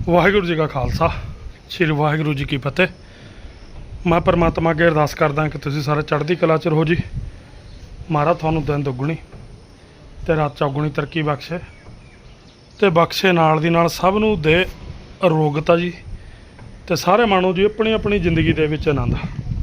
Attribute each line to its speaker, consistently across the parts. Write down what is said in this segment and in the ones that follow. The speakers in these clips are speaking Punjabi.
Speaker 1: ਵਾਹਿਗੁਰੂ ਜੀ ਕਾ ਖਾਲਸਾ ਸ੍ਰੀ ਵਾਹਿਗੁਰੂ ਜੀ ਕੀ ਫਤਿਹ। ਮੈਂ ਪਰਮਾਤਮਾ ਅੱਗੇ ਅਰਦਾਸ ਕਰਦਾ ਕਿ ਤੁਸੀਂ ਸਾਰੇ ਚੜ੍ਹਦੀ ਕਲਾ 'ਚ ਰਹੋ ਜੀ। ਮਹਾਰਾਜ ਤੁਹਾਨੂੰ ਦਿਨ ਦੁੱਗਣੀ ਤੇ ਰਾਤ ਚੌਗੁਣੀ ਤਰੱਕੀ ਬਖਸ਼ੇ ਤੇ ਬਖਸ਼ੇ ਨਾਲ ਦੀ ਨਾਲ ਸਭ ਨੂੰ ਦੇ ਅਰੋਗਤਾ ਜੀ ਤੇ ਸਾਰੇ ਮਾਣੋ ਜੀ ਆਪਣੀ ਆਪਣੀ ਜ਼ਿੰਦਗੀ ਦੇ ਵਿੱਚ ਆਨੰਦ।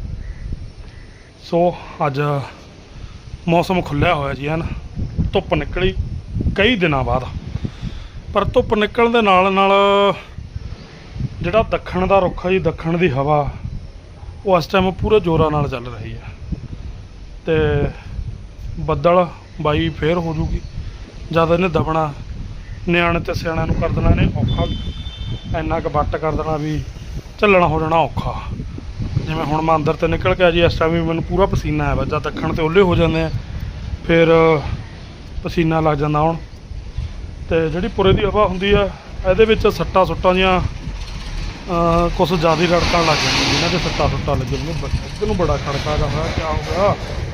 Speaker 1: ਸੋ ਅੱਜ ਮੌਸਮ ਖੁੱਲ੍ਹਿਆ ਹੋਇਆ ਜੀ ਹਨ, ਧੁੱਪ ਨਿਕਲੀ ਕਈ ਦਿਨਾਂ ਬਾਅਦ, ਪਰ ਧੁੱਪ ਨਿਕਲਣ ਦੇ ਨਾਲ ਨਾਲ ਜਿਹੜਾ ਦੱਖਣ ਦਾ ਰੁੱਖ ਹੈ ਜੀ, ਦੱਖਣ ਦੀ ਹਵਾ ਉਹ ਇਸ ਟਾਈਮ ਪੂਰੇ ਜ਼ੋਰਾਂ ਨਾਲ ਚੱਲ ਰਹੀ ਹੈ ਤੇ ਬੱਦਲ ਬਾਈ ਫੇਰ ਹੋ ਜੂਗੀ ਜਦ ਇਹਨੇ ਦਬਣਾ। ਨਿਆਣੇ ਤੇ ਸਿਆਣਿਆਂ ਨੂੰ ਕਰ ਦੇਣਾ ਇਹਨੇ ਔਖਾ, ਇੰਨਾ ਕੁ ਵੱਟ ਕਰ ਦੇਣਾ ਵੀ ਝੱਲਣਾ ਹੋ ਜਾਣਾ ਔਖਾ। ਜਿਵੇਂ ਹੁਣ ਮੈਂ ਅੰਦਰ ਤੇ ਨਿਕਲ ਕੇ ਜੀ, ਇਸ ਟਾਈਮ ਵੀ ਮੈਨੂੰ ਪੂਰਾ ਪਸੀਨਾ ਆਇਆ ਵਾ। ਜਦ ਦੱਖਣ ਤੇ ਓਲੇ ਹੋ ਜਾਂਦੇ ਆ ਫਿਰ ਪਸੀਨਾ ਲੱਗ ਜਾਂਦਾ ਹੁਣ। ਤੇ ਜਿਹੜੀ ਪੁਰੇ ਦੀ ਹਵਾ ਹੁੰਦੀ ਆ ਇਹਦੇ ਵਿੱਚ ਸੱਟਾਂ ਸੁੱਟਾਂ ਦੀਆਂ ਕੁਛ ਜ਼ਿਆਦਾ ਰੜਕਣ ਲੱਗ ਜਾਂਦੀਆਂ, ਜਿਹਨਾਂ 'ਤੇ ਸੱਟਾਂ ਸੁੱਟਾਂ ਲੱਗੇ ਇੱਧਰ ਨੂੰ ਬੜਾ ਖੜਕਾ ਜਾ ਹੋਇਆ। ਕਿਆ ਹੋ ਗਿਆ?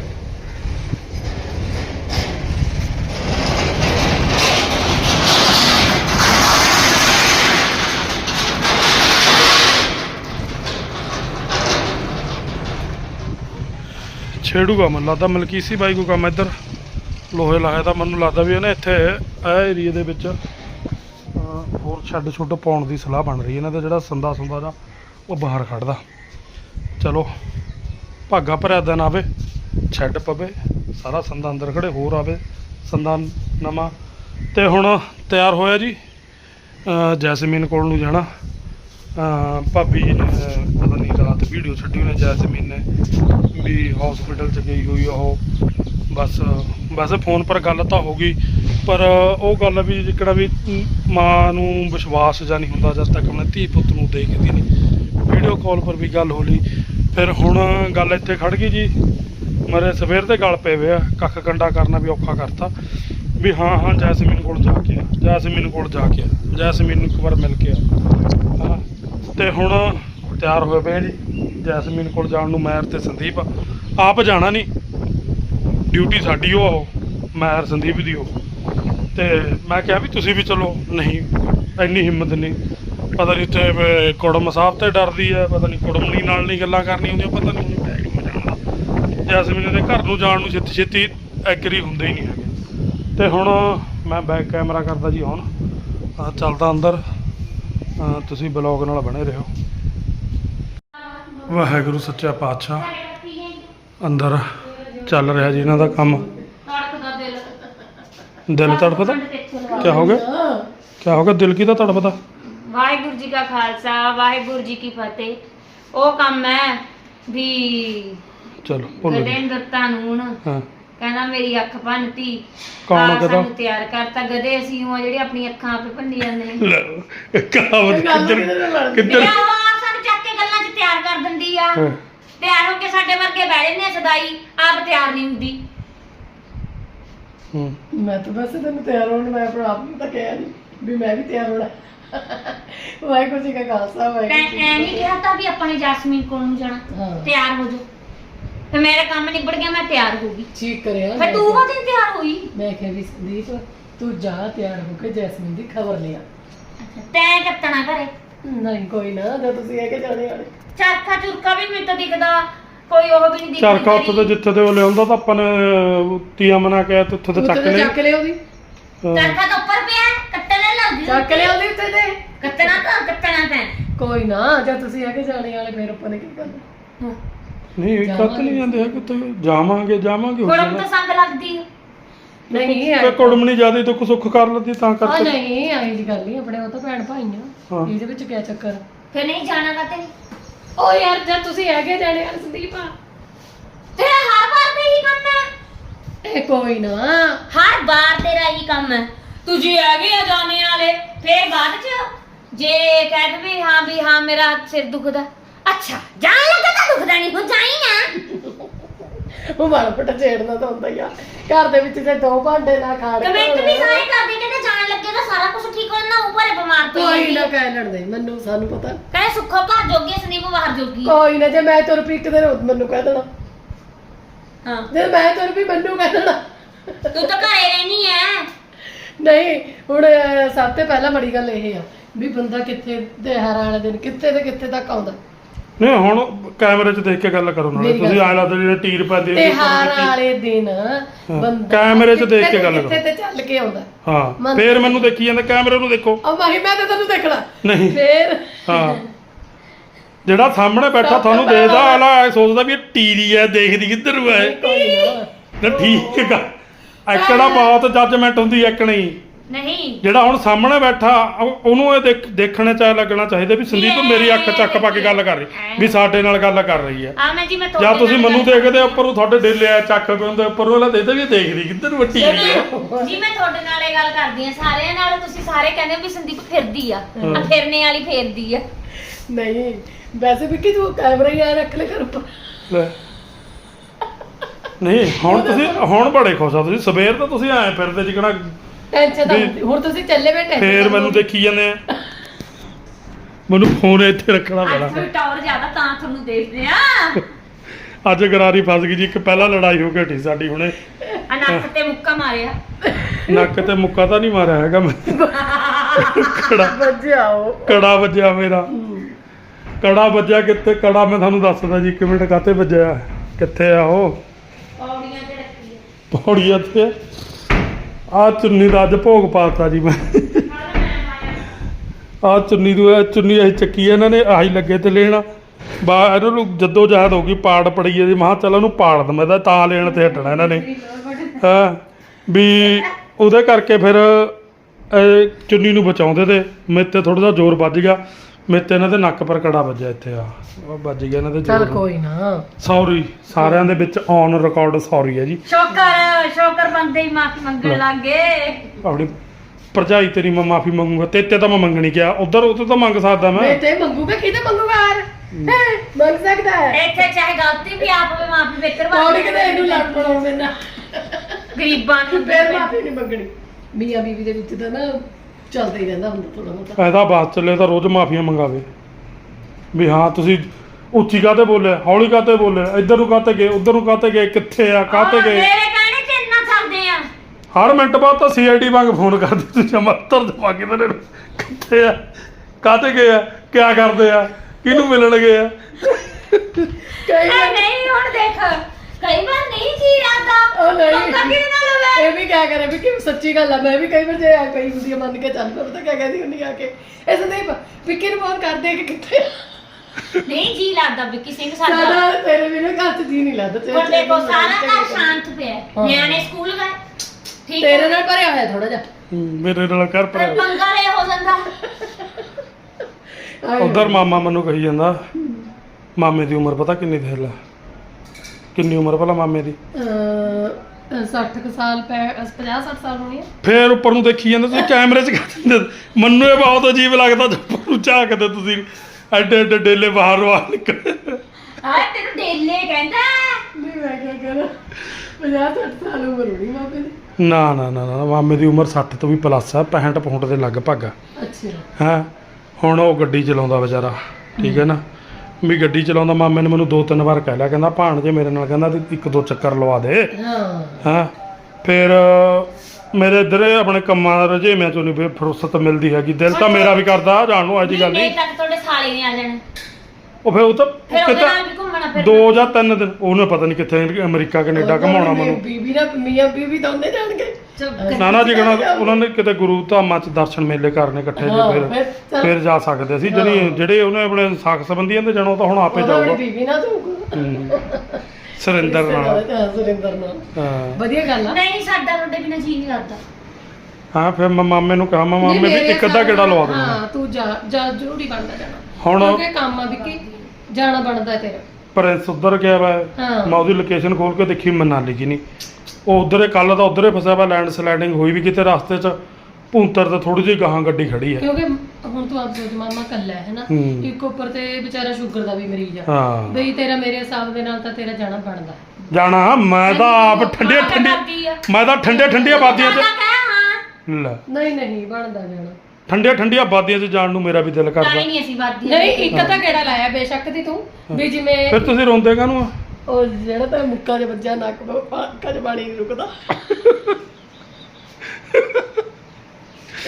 Speaker 1: ਛੇੜੂਗਾ ਮੈਨੂੰ ਲੱਗਦਾ ਮਲਕੀਸੀ ਬਾਈ ਕੋਈ ਕੰਮ ਇੱਧਰ ਲੋਹੇ ਲਾਇਆ ਤਾਂ ਮੈਨੂੰ ਲੱਗਦਾ ਵੀ ਇਹਨੇ ਇੱਥੇ ਇਹ ਏਰੀਏ ਦੇ ਵਿੱਚ ਹੋਰ ਛੱਡ ਛੁੱਡ ਪਾਉਣ ਦੀ ਸਲਾਹ ਬਣ ਰਹੀ ਇਹਨਾਂ ਦਾ। ਜਿਹੜਾ ਸੰਦਾ ਸੁੰਦਾ ਦਾ ਉਹ ਬਾਹਰ ਕੱਢਦਾ। ਚਲੋ ਭਾਗਾ ਭਰਿਆ ਦਿਨ ਆਵੇ, ਛੱਡ ਪਵੇ, ਸਾਰਾ ਸੰਦਾ ਅੰਦਰ ਖੜੇ ਹੋਰ ਆਵੇ ਸੰਦਾ ਨਵਾਂ। ਤੇ ਹੁਣ ਤਿਆਰ ਹੋਇਆ ਜੀ ਜੈਸਮੀਨ ਕੋਲ ਨੂੰ ਜਾਣਾ। ਭਾਬੀ ਨੇ ਪਤਾ ਨਹੀਂ ਰਾਤ ਵੀਡੀਓ ਛੱਡੀ ਉਹਨੇ ਜੈਸਮੀਨ ਨੇ ਵੀ ਹੌਸਪੀਟਲ 'ਚ ਗਈ ਹੋਈ ਉਹ। ਬਸ ਵੈਸੇ ਫੋਨ ਪਰ ਗੱਲ ਤਾਂ ਹੋ ਗਈ, ਪਰ ਉਹ ਗੱਲ ਵੀ ਜਿਹੜਾ ਵੀ ਮਾਂ ਨੂੰ ਵਿਸ਼ਵਾਸ ਜਾਂ ਨਹੀਂ ਹੁੰਦਾ ਜਦ ਤੱਕ ਆਪਣੇ ਧੀ ਪੁੱਤ ਨੂੰ ਦੇਖਦੀ ਨਹੀਂ। ਵੀਡੀਓ ਕਾਲ ਪਰ ਵੀ ਗੱਲ ਹੋ ਲਈ। ਫਿਰ ਹੁਣ ਗੱਲ ਇੱਥੇ ਖੜ ਗਈ ਜੀ, ਮੇਰੇ ਸਵੇਰ ਦੇ ਗੱਲ ਪਏ ਵੇ ਆ। ਕੱਖ ਕੰਡਾ ਕਰਨਾ ਵੀ ਔਖਾ ਕਰਤਾ ਵੀ ਹਾਂ ਜੈਸਮੀਨ ਕੋਲ ਜਾ ਕੇ ਆ, ਜੈਸਮੀਨ ਕੋਲ ਜਾ ਕੇ ਆ, ਜੈਸਮੀਨ ਨੂੰ ਇੱਕ ਵਾਰ ਮਿਲ ਕੇ ਆ। ਹਾਂ ਤੇ ਹੁਣ ਤਿਆਰ ਹੋਏ ਪਏ ਜੀ ਜੈਸਮੀਨ ਕੋਲ ਜਾਣ ਨੂੰ। ਮੈਰ ਤੇ ਸੰਦੀਪ ਆਪ ਜਾਣਾ ਨਹੀਂ, ਡਿਊਟੀ ਸਾਡੀ ਉਹ ਮੈਰ ਸੰਦੀਪ ਦੀ ਉਹ। ਤੇ ਮੈਂ ਕਿਹਾ ਵੀ ਤੁਸੀਂ ਵੀ ਚਲੋ। ਨਹੀਂ ਇੰਨੀ ਹਿੰਮਤ ਨਹੀਂ, ਪਤਾ ਨਹੀਂ ਉੱਥੇ ਕੁੜਮ ਸਾਹਿਬ ਤੇ ਡਰਦੀ ਹੈ, ਪਤਾ ਨਹੀਂ ਕੁੜਮਣੀ ਨਾਲ ਨਹੀਂ ਗੱਲਾਂ ਕਰਨੀਆਂ ਹੁੰਦੀਆਂ, ਪਤਾ ਨਹੀਂ ਉਹਨੂੰ ਬੈਗ ਨੂੰ ਜਾਣਾ। ਜੈਸਮੀਨ ਦੇ ਘਰ ਨੂੰ ਜਾਣ ਨੂੰ ਛੇਤੀ ਛੇਤੀ ਐਗਰੀ ਹੁੰਦੇ ਹੀ ਨਹੀਂ ਹੈਗੇ। ਤੇ ਹੁਣ ਮੈਂ ਬੈਕ ਕੈਮਰਾ ਕਰਦਾ ਜੀ ਹੁਣ ਚੱਲਦਾ ਅੰਦਰ। ਤੁਸੀਂ ਬਲੌਗ ਨਾਲ ਬਣੇ ਰਹੋ। ਵਾਹਿਗੁਰੂ ਸੱਚਾ ਪਾਤਸ਼ਾਹ। ਅੰਦਰ ਚੱਲ ਰਿਹਾ ਜੀ ਇਹਨਾਂ ਦਾ ਕੰਮ। ਦਿਲ ਤੜਫਦਾ? ਕਿਆ ਹੋ ਗਿਆ? ਕਿਆ ਹੋ ਗਿਆ? ਦਿਲ ਕਿਹਦਾ ਤੜਫਦਾ?
Speaker 2: ਵਾਹਿਗੁਰੂ ਜੀ ਕਾ ਖਾਲਸਾ ਵਾਹਿਗੁਰੂ ਜੀ ਕੀ ਫਤਿਹ। ਉਹ ਕੰਮ ਹੈ ਵੀ
Speaker 1: ਚਲੋ ਭੁੱਲ
Speaker 2: ਗਦੇ ਦਰਤਾ ਨੂੰ
Speaker 1: ਹਾਂ
Speaker 2: ਕਹਿੰਦਾ ਮੇਰੀ ਅੱਖ ਭੰਨਤੀ।
Speaker 1: ਕੌਣ ਕਹਿੰਦਾ?
Speaker 2: ਸਾਨੂੰ ਤਿਆਰ ਕਰਤਾ ਗਦੇ ਅਸੀਂ ਉਹ ਜਿਹੜੇ ਆਪਣੀ ਅੱਖਾਂ ਆਪੇ ਭੰਨੀ ਜਾਂਦੇ ਨੇ।
Speaker 1: ਕਹਾਵਤ ਕਿੱਧਰ
Speaker 2: ਸਾਨੂੰ ਚੱਕ ਕੇ ਗੱਲਾਂ 'ਚ ਤਿਆਰ ਕਰ ਦਿੰਦੀ ਆ। ਤਿਆਰ ਹੋ ਕੇ ਸਾਡੇ ਵਰਗੇ ਬਹਿ ਜਾਂਦੇ ਆ ਸਦਾਈ, ਆਪ ਤਿਆਰ ਨਹੀਂ ਹੁੰਦੀ।
Speaker 3: ਮੈਂ ਤਾਂ ਬਸ ਤੈਨੂੰ ਤਿਆਰ ਹੋਣ, ਮੈਂ ਆਪਣਾ ਆਪ ਨੂੰ ਤਾਂ ਕਿਹਾ ਨਹੀਂ ਵੀ ਮੈਂ ਵੀ ਤਿਆਰ ਹੋਣਾ। ਵਾਹਿਗੁਰੂ ਜੀ ਕਾ ਖਾਲਸਾ ਵਾਹਿਗੁਰੂ ਜੀ ਕੀ
Speaker 2: ਐ ਨਹੀਂ ਕਿਹਾ ਤਾਂ ਵੀ ਆਪਾਂ ਨੇ ਜੈਸਮੀਨ ਕੋਲ ਨੂੰ ਜਾਣਾ, ਤਿਆਰ ਹੋ ਜਾ। ਤੇ ਮੇਰਾ ਕੰਮ ਨਿਬੜ ਗਿਆ, ਮੈਂ ਤਿਆਰ ਹੋ ਗਈ।
Speaker 3: ਠੀਕ ਕਰਿਆ।
Speaker 2: ਫਿਰ ਤੂੰ ਉਹ ਦਿਨ ਤਿਆਰ ਹੋਈ।
Speaker 3: ਮੈਂ ਕਿਹਾ ਵੀ ਸੰਦੀਪ ਤੂੰ ਜਾ ਤਿਆਰ ਹੋ ਕੇ ਜੈਸਮੀਨ ਦੀ ਖਬਰ ਲਿਆ।
Speaker 2: ਤੈਂ ਕੱਟਣਾ ਘਰੇ?
Speaker 3: ਨਹੀਂ ਕੋਈ ਨਾ, ਜਦ ਤੁਸੀਂ ਇਹ ਕੇ ਜਾਣੇ ਵਾਲੇ
Speaker 2: ਚਰਖਾ ਚੁਰਕਾ ਵੀ ਮੈਨੂੰ ਤਾਂ ਦਿਖਦਾ, ਕੋਈ ਉਹ ਵੀ ਨਹੀਂ ਦਿਖਦਾ।
Speaker 1: ਚਰਖਾ ਉੱਥੇ ਤੇ ਜਿੱਥੇ ਤੇ ਉਹ ਲਿਆਉਂਦਾ ਤਾਂ ਆਪਾਂ ਨੇ ਤੀਆਂ ਮਨਾ ਕੇ ਤੇ ਉੱਥੇ ਤੇ
Speaker 3: ਚੱਕ ਲਿਆ ਉਹਦੀ।
Speaker 2: ਚਰਖਾ ਤਾਂ ਉੱਪਰ ਪਿਆ, ਕੱਟਣੇ ਲੱਗਦੀ।
Speaker 3: ਚੱਕ ਲਿਆ ਉਹਦੀ ਉੱਤੇ ਤੇ
Speaker 2: ਕੱਟਣਾ ਤੈਂ।
Speaker 3: ਕੋਈ ਨਾ, ਜਦ ਤੁਸੀਂ ਇਹ ਕੇ ਜਾਣੇ ਵਾਲੇ ਫਿਰ ਆਪਾਂ ਨੇ ਕੀ ਕਰਨਾ।
Speaker 1: ਨਹੀਂ ਕੱਟ ਨਹੀਂ ਜਾਂਦੇ ਹੈ ਕਿਤੇ। ਜਾਵਾਂਗੇ ਹੋ
Speaker 2: ਕੁੜਮ ਤਾਂ ਸੰਗ ਲੱਗਦੀ।
Speaker 3: ਨਹੀਂ
Speaker 1: ਤੇ ਕੁੜਮਣੀ ਜਿਆਦਾ ਦੁੱਖ ਸੁੱਖ ਕਰ ਲੈਂਦੀ ਤਾਂ ਕਰਕੇ।
Speaker 3: ਨਹੀਂ ਆਈ ਦੀ ਗੱਲ ਨਹੀਂ, ਆਪਣੇ ਉਹ ਤਾਂ ਭੈਣ ਭਾਈ ਆ। ਇਹਦੇ ਵਿੱਚ ਕਿਆ ਚੱਕਰ?
Speaker 2: ਫਿਰ ਨਹੀਂ ਜਾਣਾ ਕਾਤੇ ਨਹੀਂ?
Speaker 3: ਓ ਯਾਰ ਜਦ ਤੁਸੀਂ ਹੈਗੇ ਜਾਣੇ ਵਾਲੇ ਸੰਦੀਪ ਆ,
Speaker 2: ਤੇਰਾ ਹਰ ਵਾਰ ਦਾ ਹੀ ਕੰਮ ਹੈ।
Speaker 3: ਇਹ ਕੋਈ ਨਾ,
Speaker 2: ਹਰ ਵਾਰ ਤੇਰਾ ਹੀ ਕੰਮ ਹੈ। ਤੂੰ ਜੀ ਹੈਗੇ ਆ ਜਾਣੇ ਵਾਲੇ, ਫਿਰ ਬਾਅਦ ਚ ਜੇ ਕਹਿ ਦਵੇਂ ਵੀ ਹਾਂ ਮੇਰਾ ਸਿਰ ਦੁਖਦਾ, ਅੱਛਾ ਜਾਣ ਲੱਗਾ ਤਾਂ ਦੁਖਦਾ ਨਹੀਂ, ਹੋ ਜਾਈ ਨਾ।
Speaker 3: ਉਹ ਮਾੜਾ ਪਟਾ ਛੇੜਨਾ ਤਾਂ ਹੁੰਦਾ ਹੀ ਆ ਘਰ ਦੇ ਵਿੱਚ। ਜੇ ਦੋ ਭਾਂਡੇ ਨਾ ਖਾੜ
Speaker 2: ਕਮੈਂਟ ਵੀ ਸਾਰੇ ਕਰਦੇ ਕਹਿੰਦੇ ਜਾਣ ਲੱਗੇ ਤਾਂ ਸਾਰਾ ਕੁਝ ਠੀਕ ਹੋ ਜਾਂਦਾ, ਉੱਪਰੇ ਬਿਮਾਰ ਪਈ
Speaker 3: ਕੋਈ ਨਾ ਕਹਿ ਲੜਦੇ ਮੈਨੂੰ, ਸਾਨੂੰ ਪਤਾ।
Speaker 2: ਕਹਿੰਦੇ ਸੁੱਖੋ ਘਰ ਜੋਗੀ ਸੰਦੀਪ ਬਾਹਰ ਜੋਗੀ।
Speaker 3: ਕੋਈ ਨਾ, ਜੇ ਮੈਂ ਤੁਰ ਪਈ ਇੱਕ ਦਿਨ ਮੈਨੂੰ ਕਹਿ ਦੇਣਾ।
Speaker 2: ਹਾਂ
Speaker 3: ਜੇ ਮੈਂ ਤੁਰ ਪਈ ਮੈਨੂੰ ਕਹਿ ਦੇਣਾ
Speaker 2: ਤੂੰ ਤਾਂ ਘਰੇ ਰਹਿਣੀ ਐ।
Speaker 3: ਨਹੀਂ ਹੁਣ ਸਭ ਤੋਂ ਪਹਿਲਾਂ ਬੜੀ ਗੱਲ ਇਹ ਆ ਵੀ ਬੰਦਾ ਕਿੱਥੇ ਤਿਉਹਾਰਾਂ ਵਾਲੇ ਦਿਨ ਕਿੱਥੇ ਤੇ ਕਿੱਥੇ ਤੱਕ ਆਉਂਦਾ।
Speaker 1: ਨਹੀਂ ਹੁਣ ਕੈਮਰੇ 'ਚ ਦੇਖ ਕੇ ਗੱਲ ਕਰੋ ਨਾਲੇ
Speaker 3: ਮੇਰੀ ਗੱਲ
Speaker 1: ਤੁਸੀਂ ਐਂ ਲੱਗਦਾ ਜਿਹੜੇ ਟੀਰ ਪੈਂਦੇ ਆ
Speaker 3: ਤਿਉਹਾਰਾਂ ਵਾਲੇ ਦਿਨ ਬੰਦਾ
Speaker 1: ਕੈਮਰੇ 'ਚ ਦੇਖ ਕੇ ਗੱਲ
Speaker 3: ਕਿੱਥੇ
Speaker 1: ਕਰੋ।
Speaker 3: ਤੇ ਚੱਲ ਕੇ ਆਉਂਦਾ।
Speaker 1: ਹਾਂ ਫੇਰ ਮੈਨੂੰ ਦੇਖੀ ਜਾਂਦਾ ਕੈਮਰੇ ਨੂੰ ਦੇਖੋ
Speaker 3: ਆ ਮਾਹੀ ਮੈਂ ਤਾਂ ਤੈਨੂੰ ਦੇਖਣਾ
Speaker 1: ਨਹੀਂ
Speaker 3: ਫੇਰ
Speaker 1: ਹਾਂ ਜਿਹੜਾ ਸਾਹਮਣੇ ਬੈਠਾ ਤੁਹਾਨੂੰ ਦੇਖਦਾ ਆਲਾ ਐ ਸੋਚਦਾ ਵੀ ਇਹ ਟੀਰੀ ਐ ਦੇਖਦੀ ਕਿੱਧਰ ਨੂੰ ਐ
Speaker 3: ਕੋਈ ਨਾ
Speaker 1: ਤੇ ਠੀਕ ਆ ਐਕੜਾ ਬਹੁਤ ਜੱਜਮੈਂਟ ਹੁੰਦੀ ਐ ਨਹੀਂ
Speaker 2: ਨਹੀਂ
Speaker 1: ਜਿਹੜਾ ਹੁਣ ਸਾਹਮਣੇ ਬੈਠਾ ਉਹਨੂੰ ਇਹ ਦੇਖਣੇ ਚਾਹ ਲੱਗਣਾ ਚਾਹੀਦਾ ਵੀ ਸੰਦੀਪ ਮੇਰੀ ਅੱਖ ਚੱਕ ਪਾ ਕੇ ਗੱਲ ਕਰ ਰਹੀ ਵੀ ਸਾਡੇ ਨਾਲ ਗੱਲ ਕਰ ਰਹੀ ਹੈ
Speaker 2: ਆ ਮੈਂ ਜੀ ਮੈਂ
Speaker 1: ਜਾਂ ਤੁਸੀਂ ਮੈਨੂੰ ਦੇਖਦੇ ਉੱਪਰੋਂ ਤੁਹਾਡੇ ਡੇਲੇ ਆ ਚੱਕ ਕੋਂਦੇ ਉੱਪਰ ਉਹਲਾ ਦੇਖਦੇ ਵੀ ਦੇਖਦੀ ਕਿੱਧਰ ਵੱਟੀ ਹੈ
Speaker 2: ਜੀ ਮੈਂ ਤੁਹਾਡੇ ਨਾਲ ਇਹ ਗੱਲ ਕਰਦੀ ਆ ਸਾਰਿਆਂ ਨਾਲ ਤੁਸੀਂ ਸਾਰੇ ਕਹਿੰਦੇ ਹੋ ਵੀ ਸੰਦੀਪ ਫਿਰਦੀ ਆ ਆ ਫਿਰਨੇ ਵਾਲੀ ਫੇਰਦੀ ਆ
Speaker 3: ਨਹੀਂ ਵੈਸੇ ਵੀ ਕਿ ਤੂੰ ਕੈਮਰਾ ਹੀ ਆ ਰੱਖ ਲੈ ਕਰ ਉੱਪਰ
Speaker 1: ਲੈ ਨਹੀਂ ਹੁਣ ਤੁਸੀਂ ਹੁਣ ਬੜੇ ਖੁਸ਼ ਆ ਤੁਸੀਂ ਸਵੇਰ ਤੋਂ ਤੁਸੀਂ ਐ ਫਿਰਦੇ ਜਿਕਣਾ
Speaker 3: ਟੈਨਸ਼ਨ ਤਾਂ ਹੁੰਦੀ। ਹੁਣ ਤੁਸੀਂ ਚੱਲੇ ਬੈਠੇ
Speaker 1: ਫੇਰ ਮੈਨੂੰ ਦੇਖੀ ਜਾਂਦੇ ਆ ਮੈਨੂੰ ਫੋਨ ਇੱਥੇ ਰੱਖਣਾ
Speaker 2: ਅੱਜ
Speaker 1: ਪੈਣਾ
Speaker 2: ਕੋਈ ਟੌਰ ਜ਼ਿਆਦਾ ਤਾਂ ਤੁਹਾਨੂੰ ਦੇਖਦੇ ਆ
Speaker 1: ਅੱਜ ਗਰਾਰੀ ਫਸ ਗਈ ਜੀ ਇੱਕ ਪਹਿਲਾਂ ਲੜਾਈ ਹੋ ਕੇ ਹਟੀ ਸਾਡੀ ਹੁਣੇ
Speaker 2: ਆ ਨੱਕ ਤੇ ਮੁੱਕਾ ਮਾਰਿਆ
Speaker 1: ਨੱਕ ਤੇ ਮੁੱਕਾ ਤਾਂ ਨਹੀਂ ਮਾਰਿਆ ਹੈਗਾ ਮੈਂ ਕੜਾ
Speaker 3: ਵੱਜਿਆ ਉਹ
Speaker 1: ਕੜਾ ਵੱਜਿਆ ਮੇਰਾ ਕੜਾ ਵੱਜਿਆ ਕਿੱਥੇ ਕੜਾ ਮੈਂ ਤੁਹਾਨੂੰ ਦੱਸਦਾ ਜੀ 1 ਮਿੰਟ ਕਾਤੇ ਵੱਜਿਆ ਕਿੱਥੇ ਆ ਉਹ
Speaker 2: ਪੌੜੀਆਂ ਤੇ ਰੱਖੀ
Speaker 1: ਪੌੜੀਆਂ ਤੇ ਆ ਚੁੰਨੀ ਦਾ ਅੱਜ ਭੋਗ ਪਾਤਾ ਜੀ ਮੈਂ ਆ ਚੁੰਨੀ ਨੂੰ ਇਹ ਚੁੰਨੀ ਅਸੀਂ ਚੱਕੀ ਇਹਨਾਂ ਨੇ ਆਹੀ ਲੱਗੇ ਤੇ ਲੈਣਾ ਬਾ ਇਹਨਾਂ ਨੂੰ ਜੱਦੋ ਜਹਿਦ ਹੋ ਗਈ ਪਾੜ ਪੜੀ ਜੀ ਮਹਾ ਚੱਲ ਉਹਨੂੰ ਪਾੜ ਦਵਾਂ ਤਾਂ ਤਾਂ ਲੈਣ ਤੇ ਹਟਣਾ ਇਹਨਾਂ ਨੇ ਹਾਂ ਵੀ ਉਹਦੇ ਕਰਕੇ ਫਿਰ ਚੁੰਨੀ ਨੂੰ ਬਚਾਉਂਦੇ ਤੇ ਮੇਰੇ ਤੇ ਥੋੜਾ ਜਿਹਾ ਜ਼ੋਰ ਵੱਜ ਗਿਆ ਮੇਰੇ ਤੇ ਇਹਨਾਂ ਦੇ ਨੱਕ ਪਰ ਕੜਾ ਵੱਜਿਆ ਇੱਥੇ ਆ ਉਹ ਵੱਜ ਗਿਆ ਇਹਨਾਂ ਦੇ
Speaker 3: ਚੱਲ
Speaker 1: ਜ਼ੋਰ
Speaker 3: ਕੋਈ ਨਾ
Speaker 1: ਸੌਰੀ ਸਾਰਿਆਂ ਦੇ ਵਿੱਚ ਔਨ ਰਿਕਾਰਡ ਸੌਰੀ ਹੈ ਜੀ
Speaker 2: ਸ਼ੋਕਰ ਬੰਦੇ ਹੀ ਮਾਫੀ ਮੰਗਣ ਲੱਗ ਗਏ
Speaker 1: ਆਪਣੀ ਭਰਜਾਈ ਤੇਰੀ ਮੈਂ ਮਾਫੀ ਮੰਗੂਗਾ ਤੇ ਤਾਂ ਮੈਂ ਮੰਗਣੀ ਕਿਹਾ ਉਧਰ ਤਾਂ ਮੰਗ ਸਕਦਾ ਮੈਂ
Speaker 3: ਮੈਂ ਤੇ ਮੰਗੂਗਾ ਕਿਹਦੇ ਮੰਗੂਗਾ ਯਾਰ ਮੰਗ ਸਕਦਾ ਹੈ
Speaker 2: ਇੱਥੇ ਚਾਹੇ ਗਲਤੀ ਵੀ ਆਪ ਹੋਵੇ ਮਾਫੀ ਬੇਤਰ
Speaker 3: ਕੌਣ ਕਿਤੇ ਇਹਨੂੰ ਲੜ ਪੜਾਉ ਮੇਰੇ ਨਾਲ
Speaker 2: ਗਰੀਬਾਂ ਨੂੰ
Speaker 3: ਫੇਰ ਮਾਫੀ ਨਹੀਂ ਮੰਗਣੀ ਮੀਆਂ ਬੀਵੀ ਦੇ ਵਿੱਚ ਤਾਂ ਨਾ ਚੱਲਦਾ ਹੀ ਰਹਿੰਦਾ ਹੁੰਦਾ ਥੋੜਾ ਬਹੁਤਾ
Speaker 1: ਇਹਦਾ ਬਾਤ ਚੱਲੇ ਤਾਂ ਰੋਜ਼ ਮਾਫੀਆਂ ਮੰਗਾਵੇ ਵੀ ਹਾਂ ਤੁਸੀਂ ਉੱਚੀ ਕਾਤੇ ਬੋਲੇ ਹੌਲੀ ਕਾਤੇ ਬੋਲੇ ਇੱਧਰ ਨੂੰ ਕਾਤੇ ਗਏ ਉੱਧਰ ਨੂੰ ਕਾਤੇ ਗਏ ਕਿੱਥੇ ਆ ਕਾਤੇ ਗਏ
Speaker 2: ਮੇਰੇ ਕਹਿਣੇ ਚ ਇੰਨਾ ਚੱਲਦੇ ਆ
Speaker 1: ਹਰ ਮਿੰਟ ਬਾਅਦ ਤਾਂ ਸੀਆਈਡੀ ਵਾਂਗ ਫੋਨ ਕਰਦੇ ਤੁਸੀਂ ਮੱਤਰ ਦਵਾ ਕੇ ਮੇਰੇ ਨੂੰ ਕਿੱਥੇ ਆ ਕਾਤੇ ਗਏ ਆ ਕਿਆ ਕਰਦੇ ਆ ਕਿਹਨੂੰ ਮਿਲਣ ਗਏ ਆ
Speaker 3: ਕਈ ਵਾਰ
Speaker 2: ਨਹੀਂ ਹੁਣ ਦੇਖ ਕਈ ਵਾਰ ਨਹੀਂ ਜੀ ਰਾਦਾ
Speaker 3: ਉਹ ਨਹੀਂ
Speaker 2: ਕਿਹਦੇ ਨਾਲ ਹੋਵੇ
Speaker 3: ਇਹ ਵੀ ਕਿਆ ਕਰੇ ਵੀ ਕਿ ਸੱਚੀ ਗੱਲ ਆ ਮੈਂ ਵੀ ਕਈ ਵਾਰ ਜੇ ਆ ਕਈ ਹੁੰਦੀ ਆ ਮੰਨ ਕੇ ਚੱਲ ਪਿਆ ਪਤਾ ਕਿਆ ਕਹਿੰਦੀ ਹੁੰਦੀ ਆ ਕੇ ਇਸ ਨਹੀਂ ਵਿੱਕੀ ਨੂੰ ਫੋਨ ਕਰਦੇ ਕਿ ਕਿੱਥੇ ਆ?
Speaker 2: ਨਹੀਂ ਜੀ ਲੱਗਦਾ ਵਿੱਕੀ ਸਿੰਘ ਸਾਡਾ
Speaker 3: ਸਾਡਾ ਤੇਰੇ ਬਿਨਾਂ ਘਰ ਚ ਜੀ ਨਹੀਂ ਲੱਗਦਾ
Speaker 2: ਹੁਣ ਦੇਖੋ ਸਾਰਾ ਘਰ ਸ਼ਾਂਤ ਪਿਆ ਨਿਆਣੇ ਸਕੂਲ ਗਏ ਠੀਕ ਹੈ
Speaker 3: ਤੇਰੇ ਨਾਲ ਭਰਿਆ ਹੋਇਆ ਥੋੜਾ ਜਿਹਾ
Speaker 1: ਮੇਰੇ ਨਾਲ ਕਰ
Speaker 2: ਫਿਰ ਪੰਗਾ ਲੈ ਹੋ ਜਾਂਦਾ
Speaker 1: ਉਧਰ ਮਾਮਾ ਮੈਨੂੰ ਕਹੀ ਜਾਂਦਾ ਮਾਮੇ ਦੀ ਉਮਰ ਪਤਾ ਕਿੰਨੀ ਦੇਖ ਲੈ ਕਿੰਨੀ ਉਮਰ ਭਲਾ ਮਾਮੇ ਦੀ
Speaker 3: 60 ਕੁ ਸਾਲ 50-60 ਸਾਲ ਹੋਣੀ ਹੈ
Speaker 1: ਫੇਰ ਉੱਪਰ ਨੂੰ ਦੇਖੀ ਜਾਂਦੇ ਤੁਸੀਂ ਕੈਮਰੇ 'ਚ ਕਰ ਦਿੰਦੇ ਮੈਨੂੰ ਇਹ ਬਹੁਤ ਅਜੀਬ ਲੱਗਦਾ ਜਦ ਉੱਪਰ ਨੂੰ ਝਾਕਦੇ ਤੁਸੀਂ ਐਡੇ ਐਡੇ ਡੇਲੇ ਬਾਹਰ ਨਿਕਲੇ
Speaker 2: ਆ ਤੈਨੂੰ ਡੇਲੇ ਕਹਿੰਦਾ
Speaker 3: ਨਹੀਂ ਮੈਂ ਕਿਆ ਕਰਾਂ 50-60 ਸਾਲ ਉਮਰ ਹੋਣੀ ਮਾਪੇ ਦੀ
Speaker 1: ਨਾ ਨਾ ਨਾ ਨਾ ਮਾਮੇ ਦੀ ਉਮਰ 60 ਤੋਂ ਵੀ ਪਲੱਸ ਆ 65 ਦੇ ਲਗਭਗ ਆ
Speaker 3: ਅੱਛਾ
Speaker 1: ਹਾਂ ਹੁਣ ਉਹ ਗੱਡੀ ਚਲਾਉਂਦਾ ਵਿਚਾਰਾ ਠੀਕ ਹੈ ਨਾ ਵੀ ਗੱਡੀ ਚਲਾਉਂਦਾ ਮਾਮੇ ਨੇ ਮੈਨੂੰ 2-3 ਵਾਰ ਕਹਿ ਲਿਆ ਕਹਿੰਦਾ ਭਾਣਜੇ ਮੇਰੇ ਨਾਲ ਕਹਿੰਦਾ ਤੂੰ 1-2 ਚੱਕਰ ਲਵਾ ਦੇ
Speaker 3: ਹਾਂ
Speaker 1: ਹਾਂ ਫਿਰ ਮੇਰੇ ਇੱਧਰ ਆਪਣੇ ਕੰਮਾਂ ਰੁਝੇਵਿਆਂ ਚੋਂ ਨਹੀਂ ਫੁਰਸਤ ਮਿਲਦੀ ਹੈਗੀ ਦਿਲ ਤਾਂ ਮੇਰਾ ਵੀ ਕਰਦਾ ਜਾਣ ਨੂੰ ਅੱਜ ਗੱਲ
Speaker 2: ਮਹੀਨੇ
Speaker 1: ਨਹੀਂ
Speaker 2: ਤੱਕ ਤੁਹਾਡੇ ਸਾਲੇ ਨੇ ਆ ਜਾਣਾ
Speaker 1: ਉਹ ਫਿਰ ਉਹ ਤਾਂ
Speaker 2: ਫਿਰ ਉਹਦੇ ਨਾਲ ਵੀ ਘੁੰਮਣਾ ਫਿਰ
Speaker 1: 2 ਜਾਂ 3 ਦਿਨ ਉਹਨੇ ਪਤਾ ਨਹੀਂ ਕਿੱਥੇ ਅਮਰੀਕਾ ਕੈਨੇਡਾ ਘਮਾਉਣਾ ਮੈਨੂੰ
Speaker 3: ਬੀਬੀ ਦਾ ਮੀਆਂ ਬੀਬੀ ਤਾਂ ਉਹਨੇ ਜਾਣਗੇ
Speaker 1: ਨਾ ਨਾ ਜੀ ਕਹਣਾ ਉਹਨਾਂ ਨੇ ਕਿਤੇ ਗੁਰੂ ਧਾਮਾਂ 'ਚ ਦਰਸ਼ਨ ਮੇਲੇ ਕਰਨੇ ਇਕੱਠੇ
Speaker 3: ਹਾਂ,
Speaker 1: ਜੇ
Speaker 3: ਫਿਰ ਚੱਲ।
Speaker 1: ਫਿਰ ਜਾ ਸਕਦੇ ਸੀ ਜਿਹੜੇ ਉਹਨੇ ਆਪਣੇ ਸਾਖ ਸੰਬੰਧੀਆਂ ਦੇ ਜਾਣੋ ਤਾਂ ਹੁਣ ਆਪੇ
Speaker 3: ਉਹਦਾ
Speaker 1: ਜਾਊਗਾ
Speaker 3: ਬੀਬੀ ਨਾ ਤੂੰ
Speaker 1: ਸੁਰਿੰਦਰ ਨਾਲ
Speaker 3: ਸੁਰਿੰਦਰ ਨਾਲ
Speaker 1: ਹਾਂ
Speaker 3: ਵਧੀਆ ਗੱਲ ਆ
Speaker 2: ਨਹੀਂ ਸਾਡਾ ਤੁਹਾਡੇ ਬਿਨਾਂ ਜੀ ਨਹੀਂ ਕਰਦਾ
Speaker 1: ਹਾਂ ਫਿਰ ਮੈਂ ਮਾਮੇ ਨੂੰ ਕਹਾ ਮੈਂ ਮਾਮੇ ਵੀ
Speaker 3: ਮੇਰੇ
Speaker 1: ਇੱਕ ਅੱਧਾ ਗੇੜਾ ਲਵਾ ਦੇਣਾ
Speaker 3: ਹਾਂ ਤੂੰ ਜਾ ਜ਼ਰੂਰੀ ਬਣਦਾ ਜਾਣਾ
Speaker 1: ਹੁਣ
Speaker 3: ਕਿਉਂਕਿ ਕੰਮ ਆ ਵਿੱਕੀ ਜਾਣਾ ਬਣਦਾ ਤੇਰਾ
Speaker 1: ਪ੍ਰਿੰਸ ਉੱਧਰ ਗਿਆ ਵਾ
Speaker 3: ਹਾਂ।
Speaker 1: ਮੈਂ ਉਹਦੀ ਲੋਕੇਸ਼ਨ ਖੋਲ ਕੇ ਦੇਖੀ ਮਨਾਲੀ ਕੀ ਨਹੀਂ ਉਹ ਉਧਰ ਕੱਲ ਦਾ ਉਧਰ ਹੀ ਫਸਿਆ ਵਾ ਲੈਂਡ ਸਲਾਈਡਿੰਗ ਹੋਈ ਵੀ ਕਿਤੇ ਰਸਤੇ 'ਚ ਭੂੰਤਰ ਤੇ ਥੋੜੀ ਜਿਹੀ ਗਾਹਾਂ ਗੱਡੀ ਖੜੀ ਹੈ
Speaker 3: ਕਿਉਂਕਿ ਹੁਣ ਤੂੰ ਆਪ ਸੋਚ ਮਾਮਾ ਕੱਲਾ ਹੈ ਨਾ
Speaker 1: ਹੂੰ।
Speaker 3: ਇੱਕ ਉੱਪਰ ਤੇ ਵਿਚਾਰਾ ਸ਼ੂਗਰ ਦਾ ਵੀ ਮਰੀਜ਼ ਆ
Speaker 1: ਹਾਂ
Speaker 3: ਬਈ ਤੇਰਾ ਮੇਰੇ ਹਿਸਾਬ ਦੇ ਨਾਲ ਤਾਂ ਤੇਰਾ ਜਾਣਾ ਬਣਦਾ
Speaker 1: ਜਾਣਾ ਮੈਂ ਤਾਂ ਆਪ ਠੰਡੇ ਮੈਂ ਤਾਂ ਠੰਡੇ ਆਬਾਦੀਆਂ 'ਚ
Speaker 2: ਹਾਂ
Speaker 1: ਲੈ
Speaker 3: ਨਹੀਂ ਬਣਦਾ ਜਾਣਾ
Speaker 1: ਠੰਡੀਆਂ ਆਬਾਦੀਆਂ 'ਚ ਜਾਣ ਨੂੰ ਮੇਰਾ ਵੀ ਦਿਲ
Speaker 2: ਤਾਂ
Speaker 1: ਕਰਦਾ
Speaker 2: ਹੀ ਨਹੀਂ ਅਸੀਂ ਵਾਦੀ
Speaker 3: ਨਹੀਂ ਇੱਕ ਤਾਂ ਕਿਹੜਾ ਲਾਇਆ ਬੇਸ਼ੱਕ ਦੀ ਤੂੰ ਵੀ ਜਿਵੇਂ
Speaker 1: ਫਿਰ ਤੁਸੀਂ ਰੋਂਦੇ ਕਾਹਨੂੰ ਆ
Speaker 3: ਉਹ ਜਿਹੜਾ ਤਾਂ ਮੁੱਕਾ ਜਿਹਾ ਵੱਜਿਆ ਨੱਕ ਅੱਖਾਂ 'ਚ ਪਾਣੀ ਨਹੀਂ ਰੁਕਦਾ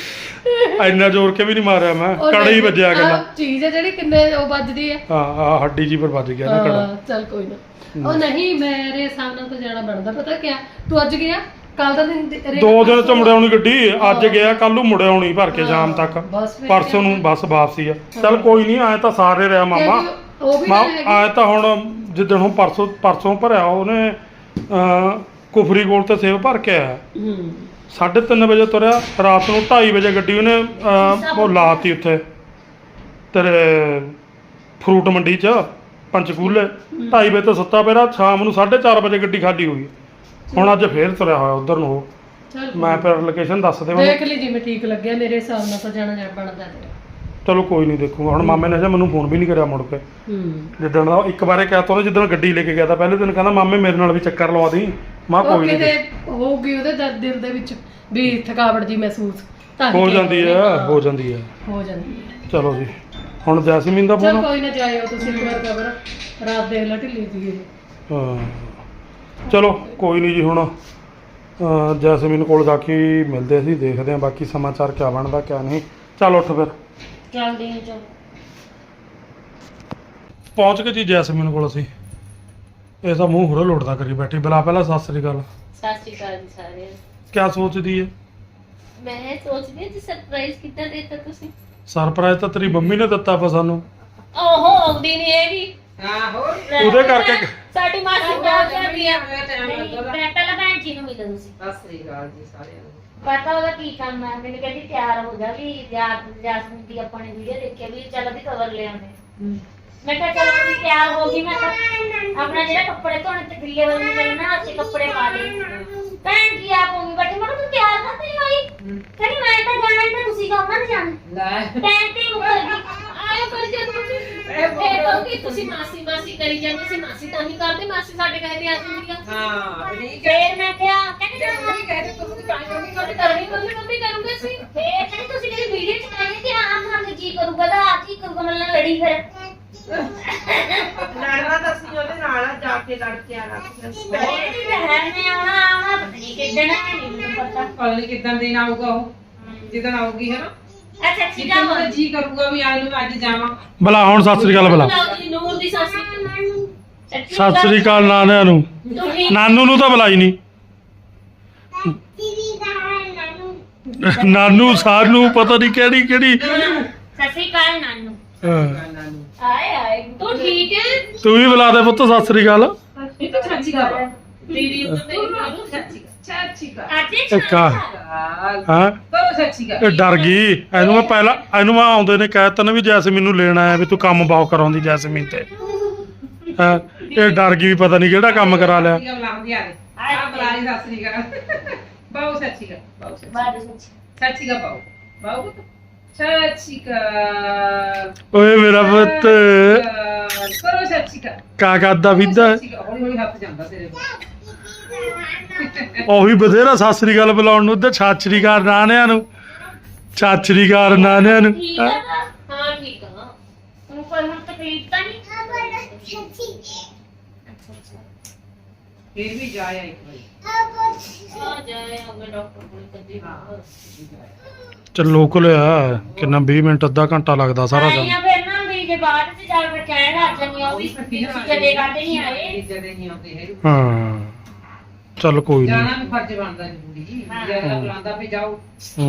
Speaker 1: ਇੰਨਾ ਜ਼ੋਰ ਕੇ ਵੀ ਨਹੀਂ ਮਾਰਿਆ ਮੈਂ,
Speaker 3: ਉਹ
Speaker 1: ਕੜਾ ਹੀ ਵੱਜਿਆ
Speaker 3: ਆਹ
Speaker 1: ਗੱਲਾਂ।
Speaker 3: ਚੀਜ਼ ਹੈ ਜਿਹੜੀ ਕਿੰਨੇ ਉਹ ਵੱਜਦੀ ਹੈ।
Speaker 1: ਹਾਂ ਆ ਹੱਡੀ ਜੀ ਪਰ ਵੱਜ ਗਿਆ ਨਾ ਕੜਾ।
Speaker 3: ਹਾਂ ਚੱਲ ਕੋਈ ਨਾ। ਉਹ ਨਹੀਂ ਮੇਰੇ ਹਿਸਾਬ ਨਾਲ ਤਾਂ ਜਾਣਾ ਬਣਦਾ। ਪਤਾ ਕਿਆ ਤੂੰ ਅੱਜ ਗਿਆ ਕੱਲ ਦਾ ਦਿਨ
Speaker 1: 2 ਦਿਨ ਚ ਮੁੜ ਆਉਣੀ ਗੱਡੀ, ਅੱਜ ਗਿਆ ਕੱਲ ਨੂੰ ਮੁੜ ਆਉਣੀ ਭਰ ਕੇ ਸ਼ਾਮ ਤੱਕ,
Speaker 3: ਬਸ ਫਿਰ
Speaker 1: ਪਰਸੋਂ ਨੂੰ ਬਸ ਵਾਪਸੀ ਆ। ਚੱਲ ਕੋਈ ਨਹੀਂ, ਆਏ ਤਾਂ ਸਾਰੇ ਰਿਹਾ ਮਾਮਾ।
Speaker 3: ਉਹ ਵੀ
Speaker 1: ਮਾਂ
Speaker 3: ਗੱਲ ਹੈਗੀ।
Speaker 1: ਆਏ ਤਾਂ ਹੁਣ ਜਿੱਦਣ ਹੁਣ ਪਰਸੋਂ ਭਰਿਆ ਉਹਨੇ ਕੁਫਰੀ ਕੋਲ ਤੇ ਸੇਵ ਭਰ ਕੇ ਆਇਆ। 3:30 ਵਜੇ ਤੁਰਿਆ, ਰਾਤ ਨੂੰ 2:30 ਵਜੇ ਗੱਡੀ ਉਹਨੇ ਉਹ ਲਾਤੀ ਉੱਥੇ ਤੇਰੇ ਫਰੂਟ ਮੰਡੀ 'ਚ ਪੰਚਕੂਲੇ। 2:30 ਵਜੇ ਤੋਂ ਸੁੱਤਾ ਪਿਆ, ਸ਼ਾਮ ਨੂੰ 4:30 ਵਜੇ ਗੱਡੀ ਖਾਲੀ ਹੋਈ। ਹੁਣ ਅੱਜ ਫੇਰ ਤੁਰਿਆ ਹੋਇਆ ਉਧਰ ਨੂੰ ਉਹ।
Speaker 3: ਚੱਲ
Speaker 1: ਮੈਂ ਫਿਰ ਲੋਕੇਸ਼ਨ ਦੱਸ ਦੇ
Speaker 3: ਦੇਖ ਲਈ ਜਿਵੇਂ ਠੀਕ ਲੱਗਿਆ। ਮੇਰੇ ਹਿਸਾਬ ਨਾਲ ਤਾਂ ਜਾਣਾ ਬਣਦਾ ਤੇਰਾ।
Speaker 1: ਚਲੋ ਕੋਈ ਨਹੀਂ ਦੇਖੂਗਾ। ਹੁਣ ਮਾਮੇ ਨੇ ਮੈਨੂੰ ਫੋਨ ਵੀ ਨਹੀਂ ਕਰਿਆ ਮੁੜ ਕੇ। ਜਿੱਦਣ ਦਾ ਇੱਕ ਵਾਰੇ ਕਹਿ ਤਾ ਉਹਨੇ, ਜਿੱਦਣ ਗੱਡੀ ਲੈ ਕੇ ਗਿਆ ਤਾਂ ਪਹਿਲੇ ਦਿਨ ਕਹਿੰਦਾ ਮਾਮੇ ਮੇਰੇ ਨਾਲ ਵੀ ਚੱਕਰ ਲਵਾ ਦੀ। ਮੈਂ
Speaker 3: ਉਹ
Speaker 1: ਕੋਈ
Speaker 3: ਕਿਤੇ
Speaker 1: ਨਹੀਂ,
Speaker 3: ਹੋਊਗੀ ਉਹਦੇ ਦਿਲ ਦੇ ਵਿੱਚ ਵੀ ਥਕਾਵਟ ਜੀ ਮਹਿਸੂਸ ਤਾਂ ਹੀ
Speaker 1: ਹੋ
Speaker 3: ਕਿਹਾ
Speaker 1: ਜਾਂਦੀ
Speaker 3: ਉਹਨੇ।
Speaker 1: ਹੈ
Speaker 3: ਹਾਂ,
Speaker 1: ਹੋ ਜਾਂਦੀ ਹੈ।
Speaker 3: ਹੋ ਜਾਂਦੀ ਹੈ।
Speaker 1: ਚਲੋ ਜੀ, ਹੁਣ ਜੈਸਮੀਨ ਦਾ
Speaker 3: ਚਲ
Speaker 1: ਫੋਨ।
Speaker 3: ਕੋਈ ਨਾ ਜਾਇਓ ਤੁਸੀਂ ਇੱਕ ਵਾਰ ਖਬਰ ਰਾਤ ਦੇਖ ਲਾ ਢਿੱਲੀ ਸੀ ਇਹ।
Speaker 1: ਹਾਂ ਚਲੋ ਕੋਈ ਨਹੀਂ ਜੀ। ਹੁਣ ਜੈਸਮੀਨ ਕੋਲ ਜਾ ਕੇ ਮਿਲਦੇ ਅਸੀਂ, ਦੇਖਦੇ ਹਾਂ ਬਾਕੀ ਸਮਾਚਾਰ ਕਿਆ ਬਣਦਾ ਕਿਆ ਨਹੀਂ। ਚੱਲ ਉੱਠ ਫਿਰ
Speaker 2: ਚੱਲਦੀ ਹਾਂ ਚਲ।
Speaker 1: ਪਹੁੰਚ ਗਏ ਜੀ ਜੈਸਮੀਨ ਕੋਲ ਅਸੀਂ। ਇਹ ਤਾਂ ਮੂੰਹ ਹੁਰੇ ਲੋੜਦਾ ਕਰੀ ਬੈਠੀ। ਬਲਾ ਪਹਿਲਾਂ ਸਤਿ ਸ੍ਰੀ ਅਕਾਲ।
Speaker 2: ਸਤਿ ਸ਼੍ਰੀ ਅਕਾਲ ਜੀ ਸਾਰਿਆਂ ਨੂੰ।
Speaker 1: ਕਿਆ ਸੋਚਦੀ ਹੈ?
Speaker 2: ਮੈਂ ਸੋਚਦੀ ਹਾਂ ਜੀ ਸਰਪ੍ਰਾਈਜ਼ ਕਿੱਦਾਂ ਦੇਤਾ ਤੁਸੀਂ।
Speaker 1: ਸਰਪ੍ਰਾਈਜ਼ ਤਾਂ ਤੇਰੀ ਮੰਮੀ ਨੇ ਦਿੱਤਾ ਵਾ ਸਾਨੂੰ।
Speaker 2: ਓਹੋ ਆਉਂਦੀ ਨਹੀਂ ਹੈਗੀ।
Speaker 4: ਆਹੋ
Speaker 1: ਉਹਦੇ ਕਰਕੇ
Speaker 2: ਸਾਡੀ ਮਾਸੀ ਬਹੁਤ ਕਰਦੀ ਆ।
Speaker 4: ਮੈਂ
Speaker 2: ਪਹਿਲਾਂ ਭੈਣ ਜੀ ਨੂੰ ਮਿਲੋ ਤੁਸੀਂ।
Speaker 4: ਸਤਿ ਸ੍ਰੀ ਅਕਾਲ ਜੀ ਸਾਰਿਆਂ ਨੂੰ।
Speaker 2: ਪਤਾ ਉਹਦਾ ਕੀ ਕੰਮ ਹੈ। ਮੈਨੂੰ ਕਹਿੰਦੀ ਤਿਆਰ ਹੋ ਜਾ ਵੀ ਜਾਸਮੀਨ ਦੀ ਆਪਾਂ ਨੇ ਵੀਡੀਓ ਦੇਖੀ ਵੀ ਚੱਲ ਵੀ ਕਵਰ ਲੈ ਆਉਂਦੇ। ਮੈਂ ਕਿਹਾ ਚਲੋ ਵੀ ਤਿਆਰ ਹੋ ਗਈ। ਮੈਂ ਤਾਂ ਆਪਣਾ ਜਿਹੜਾ ਕੱਪੜੇ ਧੋਣੇ ਤੇ ਗਿੱਲੇ ਵਾਲੇ ਮੇਰੇ ਨਾਲ ਅਸੀਂ ਕੱਪੜੇ ਪਾ ਲਏ। ਭੈਣ ਜੀ ਆਪ ਹੋਈ ਬੈਠੀ। ਮੈਂ ਕਿਹਾ ਤੂੰ ਤਿਆਰ ਕਰ ਨਹੀਂ ਹੋਈ। ਕਹਿੰਦੀ ਮੈਂ ਤਾਂ ਜਾਣਾ ਹੀ ਤਾਂ ਤੁਸੀਂ ਕਹੋ ਨਾ ਜਾਣਾ।
Speaker 4: ਲੈ
Speaker 2: ਟਾਈਮ ਤੇ ਮੁੱਕਰ ਗਈ। ਆਇਓ ਕਰ ਜਾਂਦੇ ਤੁਸੀਂ।
Speaker 4: ਇਹ
Speaker 2: ਕਹੋਗੇ ਤੁਸੀਂ ਮਾਸੀ ਮਾਸੀ ਕਰੀ ਜਾਂਦੇ ਸੀ। ਮਾਸੀ ਤਾਂ ਨਹੀਂ ਕਰਦੇ। ਮਾਸੀ ਸਾਡੇ ਕਹਿੰਦੇ ਆ ਜਾਂਦੀ ਆ।
Speaker 4: ਹਾਂ ਠੀਕ ਹੈ।
Speaker 2: ਫੇਰ ਮੈਂ ਕਿਹਾ ਕਹਿੰਦੀ
Speaker 4: ਜੇ ਤੁਸੀਂ ਕਹਿੰਦੇ ਤੁਸੀਂ ਕਾਹਨੂੰ ਨਹੀਂ
Speaker 2: ਤੁਹਾਡੀ
Speaker 4: ਕਰਦੇ?
Speaker 2: ਕਰਨੀ ਮੰਮੀ ਕਰੂਗੇ ਸੀ। ਫੇਰ ਕਹਿੰਦੀ ਤੁਸੀਂ ਜਿਹੜੀ ਵੀਡੀਓ ਚ ਕਹਿੰਦੇ ਕਿ ਆਹ ਖਾਣ ਕੀ ਕਰੂਗਾ ਤਾਂ ਆ ਕੀ ਕਰੂਗਾ। ਮੇਰੇ ਨਾਲ ਲੜੀ ਫਿਰ।
Speaker 4: ਲੜਨਾ ਤਾਂ ਅਸੀਂ ਉਹਦੇ ਨਾਲ ਆ, ਜਾ ਕੇ ਲੜ ਕੇ ਆਣਾ।
Speaker 2: ਕਹਿੰਦੀ ਰਹਿਣ ਨੇ ਆਉਣਾ ਪਤਾ ਨਹੀਂ ਕਿੱਦਣ ਹੈ ਨਹੀਂ ਮੈਨੂੰ ਪਤਾ।
Speaker 4: ਪਤਾ ਨਹੀਂ ਕਿੱਦਾਂ ਦਿਨ ਆਊਗਾ ਉਹ, ਜਿੱਦਣ ਆਊਗੀ ਹੈ ਨਾ।
Speaker 2: ਅੱਛਾ ਠੀਕ
Speaker 4: ਜਿੱਦਾਂ
Speaker 2: ਆ
Speaker 4: ਮੇਰਾ ਜੀ ਕਰੂਗਾ ਵੀ ਅੱਜ ਨੂੰ ਅੱਜ ਜਾਵਾਂ।
Speaker 1: ਬਲਾ ਹੁਣ ਸਤਿ ਸ੍ਰੀ ਅਕਾਲ ਬਲਾ।
Speaker 2: ਨੂਰ ਦੀ ਸਾਸੀ।
Speaker 1: ਸਤਿ ਸ੍ਰੀ ਅਕਾਲ ਨਾਨਿਆਂ ਨੂੰ।
Speaker 2: ਤੁਸੀਂ
Speaker 1: ਨਾਨੂ ਨੂੰ ਤਾਂ ਬੁਲਾਈ ਨਹੀਂ। ਨਾਨੂ ਸਾਨੂੰ ਪਤਾ ਨਹੀਂ ਕਿਹੜੀ
Speaker 2: ਸਤਿ ਸ਼੍ਰੀ ਅਕਾਲ ਨਾਨੂ।
Speaker 1: ਹਾਂ।
Speaker 2: ਆਏ ਆਏ ਤੂੰ ਠੀਕ ਹੈ।
Speaker 1: ਤੂੰ ਵੀ ਬੁਲਾ ਦੇ ਪੁੱਤ ਸਤਿ ਸ੍ਰੀ ਅਕਾਲ।
Speaker 4: ਇਹ ਤਾਂ ਚਾਚੀ ਦਾ ਦੀਦੀ ਉਹ ਤੇ ਮੈਨੂੰ ਚਾਚੀ ਦਾ
Speaker 2: ਅੱਜ
Speaker 1: ਇੱਕ ਆ। ਹਾਂ
Speaker 4: ਕਰੋ ਚਾਚੀ ਦਾ।
Speaker 1: ਇਹ ਡਰ ਗਈ। ਇਹਨੂੰ ਮੈਂ ਆਉਂਦੇ ਨੇ ਕਹਿ ਤਾ ਨਾ ਵੀ ਜੈਸਮੀਨ ਨੂੰ ਲੈਣ ਆਇਆ ਵੀ ਤੂੰ ਕੰਮ ਬਹੁਤ ਕਰਾਉਂਦੀ ਜੈਸਮੀਨ ਤੇ। ਹਾਂ ਇਹ ਡਰ ਗਈ ਵੀ ਪਤਾ ਨਹੀਂ ਕਿਹੜਾ ਕੰਮ ਕਰਾ ਲਿਆ।
Speaker 4: ਬੁਲਾਉਂਦੀ ਆ ਬੁਲਾਈ ਸਤਿ ਸ੍ਰੀ ਅਕਾਲ। ਬਾਉ ਚਾਚੀ ਦਾ ਬਾਉ
Speaker 2: ਬਾਦ
Speaker 4: ਚਾਚੀ ਦਾ ਬਾਉ ਬਾਉ ਚਾਚੀ ਦਾ।
Speaker 1: ਓਏ ਮੇਰਾ ਪੁੱਤ
Speaker 4: ਕਰੋ ਚਾਚੀ ਦਾ।
Speaker 1: ਕਾ ਕਰਦਾ ਵਿਦਾ।
Speaker 4: ਹੌਲੀ ਹੌਲੀ ਹੱਥ ਜਾਂਦਾ ਤੇਰੇ
Speaker 1: ਉਹੀ ਬਥੇਰਾ ਸਤਿ ਸ੍ਰੀ ਅਕਾਲ ਬੁਲਾਉਣ ਨੂੰ ਤੇ ਸਤਿ ਸ੍ਰੀ ਅਕਾਲ ਨਾਨਿਆਂ ਨੂੰ। ਸਤਿ ਸ੍ਰੀ ਅਕਾਲ ਨਾਨਿਆਂ ਨੂੰ।
Speaker 2: ਠੀਕ ਆ ਹਾਂ ਠੀਕ ਆ। ਤੂੰ ਕੋਈ ਹੁਣ ਤਕਲੀਫ ਤਾਂ ਨਹੀਂ।
Speaker 4: ਫਿਰ ਵੀ ਜਾਇਆ ਇੱਕ ਵਾਰੀ।
Speaker 2: ਆ ਜਾਏ ਆਪਣੇ ਡਾਕਟਰ ਕੋਲ ਕਦੀ
Speaker 1: ਚੱਲ ਲੋਕਲ ਆ ਕਿੰਨਾ 20 ਮਿੰਟ ਅੱਧਾ ਘੰਟਾ ਲੱਗਦਾ ਸਾਰਾ ਕੰਮ।
Speaker 2: ਆਈਆਂ ਫਿਰ ਨਾ ਵੀ ਜੇ ਬਾਅਦ ਚ ਜਾ ਕੇ ਕਹਿਣ ਲੱਗ ਜਾਂਦੀਆਂ ਉਹ ਵੀ ਜਦੇ ਕਰਦੇ ਨਹੀਂ ਆਏ।
Speaker 4: ਜਦੇ ਨਹੀਂ ਆਉਂਦੇ ਹੈ।
Speaker 1: ਹਾਂ ਚੱਲ ਕੋਈ
Speaker 4: ਜਾਣਾ
Speaker 1: ਨਹੀਂ।
Speaker 4: ਵੀ ਫਰਜ਼ ਬਣਦਾ ਜ਼ਰੂਰੀ। ਜਿਹੜਾ ਬੁਲਾਉਂਦਾ ਵੀ ਜਾਓ।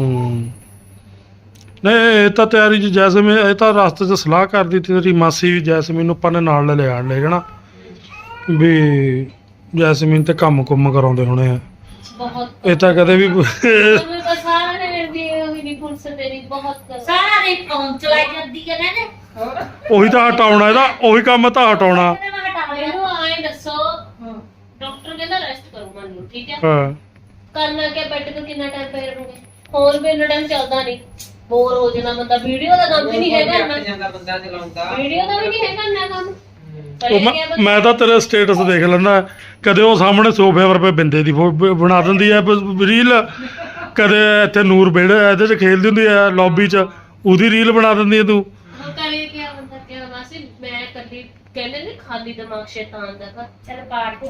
Speaker 1: ਨਹੀਂ ਇਹ ਤਾਂ ਤਿਆਰੀ ਚ ਜੈਸਮੀਨ ਇਹ ਤਾਂ ਰਸਤੇ 'ਚ ਸਲਾਹ ਕਰਦੀ ਤੀ ਤੇਰੀ ਮਾਸੀ ਵੀ ਜੈਸਮੀਨ ਨੂੰ ਆਪਾਂ ਨੇ ਨਾਲ ਲੈ ਜਾਣਾ ਵੀ ਜੈਸਮੀਨ ਤੇ ਕੰਮ ਕੁੰਮ ਕਰਾਉਂਦੇ ਹੋਣੇ ਆ।
Speaker 2: ਬਹੁਤ
Speaker 1: ਇਹ ਤਾਂ ਕਦੇ ਵੀ
Speaker 2: ਮੈਨੂੰ ਤਾਂ ਸਾਰਾ ਦਿਨ ਦੀ ਉਹੀ ਨਹੀਂ ਫੁਰਸਤ ਤੇਰੀ ਬਹੁਤ ਸਾਰਾ ਦਿਨ ਫੋਨ ਚਲਾਈ ਜਾਂਦੀ ਹੈ ਨਾ।
Speaker 4: ਹੋਰ
Speaker 1: ਉਹੀ ਤਾਂ ਹਟਾਉਣਾ ਇਹਦਾ, ਉਹੀ ਕੰਮ ਤਾਂ ਹਟਾਉਣਾ।
Speaker 2: ਮੈਨੂੰ ਆਏ ਦੱਸੋ ਡਾਕਟਰ ਕਹਿੰਦਾ ਰੈਸਟ ਕਰੋ ਮਨ ਨੂੰ ਠੀਕ ਹੈ।
Speaker 1: ਹਾਂ
Speaker 2: ਕਰਨਾ ਕਿ ਬੈੱਡ ਤੇ ਕਿੰਨਾ ਟਾਈਮ ਪਏ ਰਹੋਗੇ। ਫੋਨ ਵੀ ਇੰਨਾ ਟਾਈਮ ਚੱਲਦਾ ਨਹੀਂ। ਬੋਰ ਹੋ ਜਾਣਾ ਬੰਦਾ। ਵੀਡੀਓ ਦਾ ਕੰਮ ਵੀ ਨਹੀਂ ਹੈਗਾ ਇੰਨਾ।
Speaker 4: ਜਾਂਦਾ ਬੰਦਾ ਚਲਾਉਂਦਾ।
Speaker 2: ਵੀਡੀਓ ਦਾ ਵੀ ਨਹੀਂ ਹੈਗਾ ਇੰਨਾ ਕੰਮ।
Speaker 1: ਉਹ ਮੈਂ ਤਾਂ ਤੇਰੇ ਸਟੇਟਸ ਦੇਖ ਲੈਂਦਾ। ਕਦੇ ਉਹ ਸਾਹਮਣੇ ਸੋਫੇ ਪਰ ਪੇ ਬਿੰਦੇ ਦੀ ਬਣਾ ਦਿੰਦੀ ਐ ਰੀਲ। ਕਦੇ ਇੱਥੇ ਨੂਰ ਵਿਹੜੇ ਇਹਦੇ 'ਚ ਖੇਲਦੀ ਹੁੰਦੀ ਐ ਲੌਬੀ 'ਚ, ਉਹਦੀ ਰੀਲ ਬਣਾ ਦਿੰਦੀ ਐ ਤੂੰ।
Speaker 2: ਕਰੇ ਕੀ ਬੰਦਾ ਕਿਹਾ ਮਾਸੀ ਮੈਂ ਕੱਲੀ ਕਹਿੰਦੇ ਨੇ ਖਾਲੀ ਦਿਮਾਗ ਸ਼ੈਤਾਨ ਦਾ ਘਰ। ਚਲ ਪਾਠ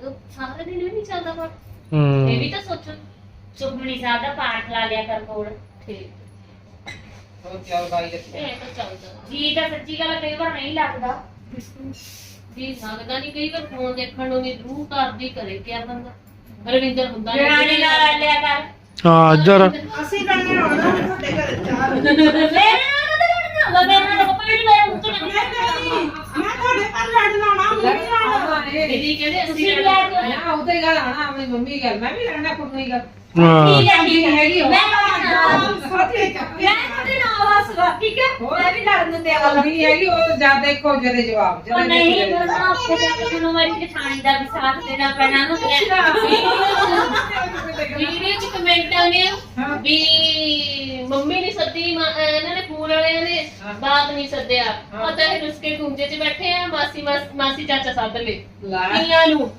Speaker 2: ਸਾਰੇ ਦਿਨ ਵੀ ਨਹੀਂ ਚੱਲਦਾ ਪਾਠ। ਇਹ ਵੀ ਤਾਂ ਸੋਚੋ ਸੁਖਮਨੀ ਸਾਹਿਬ ਦਾ ਪਾਠ ਲਾ ਲਿਆ ਕਰ ਕੋਲ। ਠੀਕ
Speaker 4: ਹੋਰ ਕਿਆ ਬਾਈ ਦੇ
Speaker 2: ਇਹ ਤਾਂ ਚੱਲਦਾ ਜੀ ਤਾਂ ਸੱਚੀ ਗੱਲ ਕਈ ਵਾਰ ਨਹੀਂ ਲੱਗਦਾ ਜੀ ਲੱਗਦਾ ਨਹੀਂ ਕਈ ਵਾਰ ਫੋਨ ਦੇਖਣ ਨੂੰ ਨਹੀਂ ਰੂਹ ਕਰਦੀ ਕਰੇ ਕਿਆ ਬੰਦਾ ਰਵਿੰਦਰ ਹੁੰਦਾ ਨਹੀਂ ਨਾਲ ਲਿਆ ਕਰ
Speaker 1: ਹਾਂ ਇੱਧਰ
Speaker 3: ਅਸੀਂ ਕਰਨੇ ਆਉਣਾ ਤੁਹਾਡੇ ਘਰ ਚਾਰ
Speaker 2: ਮੇਰੇ ਨਾਲ ਤਾਂ ਲੜਨਾ ਹੁੰਦਾ ਮੇਰੇ ਨਾਲ ਕੋਈ ਨਹੀਂ ਮੇਰੇ ਮੂੰਹ ਤੋਂ ਨਹੀਂ
Speaker 3: ਮੈਂ ਤੁਹਾਡੇ ਘਰ ਲੜਨ ਆਉਣਾ
Speaker 2: ਦੀਦੀ ਕਹਿੰਦੇ ਅਸੀਂ ਵੀ ਆ ਜਾਓ
Speaker 4: ਨਾ ਉਹਦੇ ਹੀ ਗੱਲ ਆਣਾ ਆਪਣੀ ਮੰਮੀ ਗੱਲ ਮੈਂ ਵੀ ਲੜਨਾ ਕੋਈ ਗੱਲ
Speaker 2: ਠੀਕ
Speaker 1: ਹਾਂ
Speaker 2: ਹੈ ਠੀਕ ਹੈ ਮੈਂ
Speaker 3: ਸਾਥੀ ਚੱਕੇ
Speaker 2: ਮੈਂ ਤੁਹਾਡੇ ਨਾਲ ਆਵਾਂਗਾ ਠੀਕ ਹੈ ਮੈਂ ਵੀ ਲੜਨ ਨੂੰ ਤਿਆਰ ਹਾਂ
Speaker 4: ਨਹੀਂ ਹੈਗੀ ਉਹ ਜਾਂ ਦੇਖੋ ਜਦੇ ਜਵਾਬ
Speaker 2: ਉਹ ਨਹੀਂ ਮੈਂ ਉੱਥੇ ਜਾ ਕੇ ਤੁਹਾਨੂੰ ਮੇਰੀ ਜਠਾਣੀ ਦਾ ਵੀ ਸਾਥ ਦੇਣਾ ਪੈਣਾ ਨੂੰ ਵੀਡੀਓ ਚ ਕਮੈਂਟ ਆਉਂਦੇ ਆ ਵੀ ਮੰਮੀ ਨੇ ਸੱਦੀ ਇਹਨਾਂ ਨੇ ਫੋਨ ਵਾਲਿਆਂ ਨੇ ਬਾਤ ਨਹੀਂ ਸੱਦਿਆ ਪਤਾ ਹੈ ਰੁਸਕੇ ਗੁੰਜੇ ਚ ਬੈਠੇ ਆ ਮਾਸੀ ਚਾਚਾ ਸੱਦ ਲੈ ਕੀਆਂ ਨੂੰ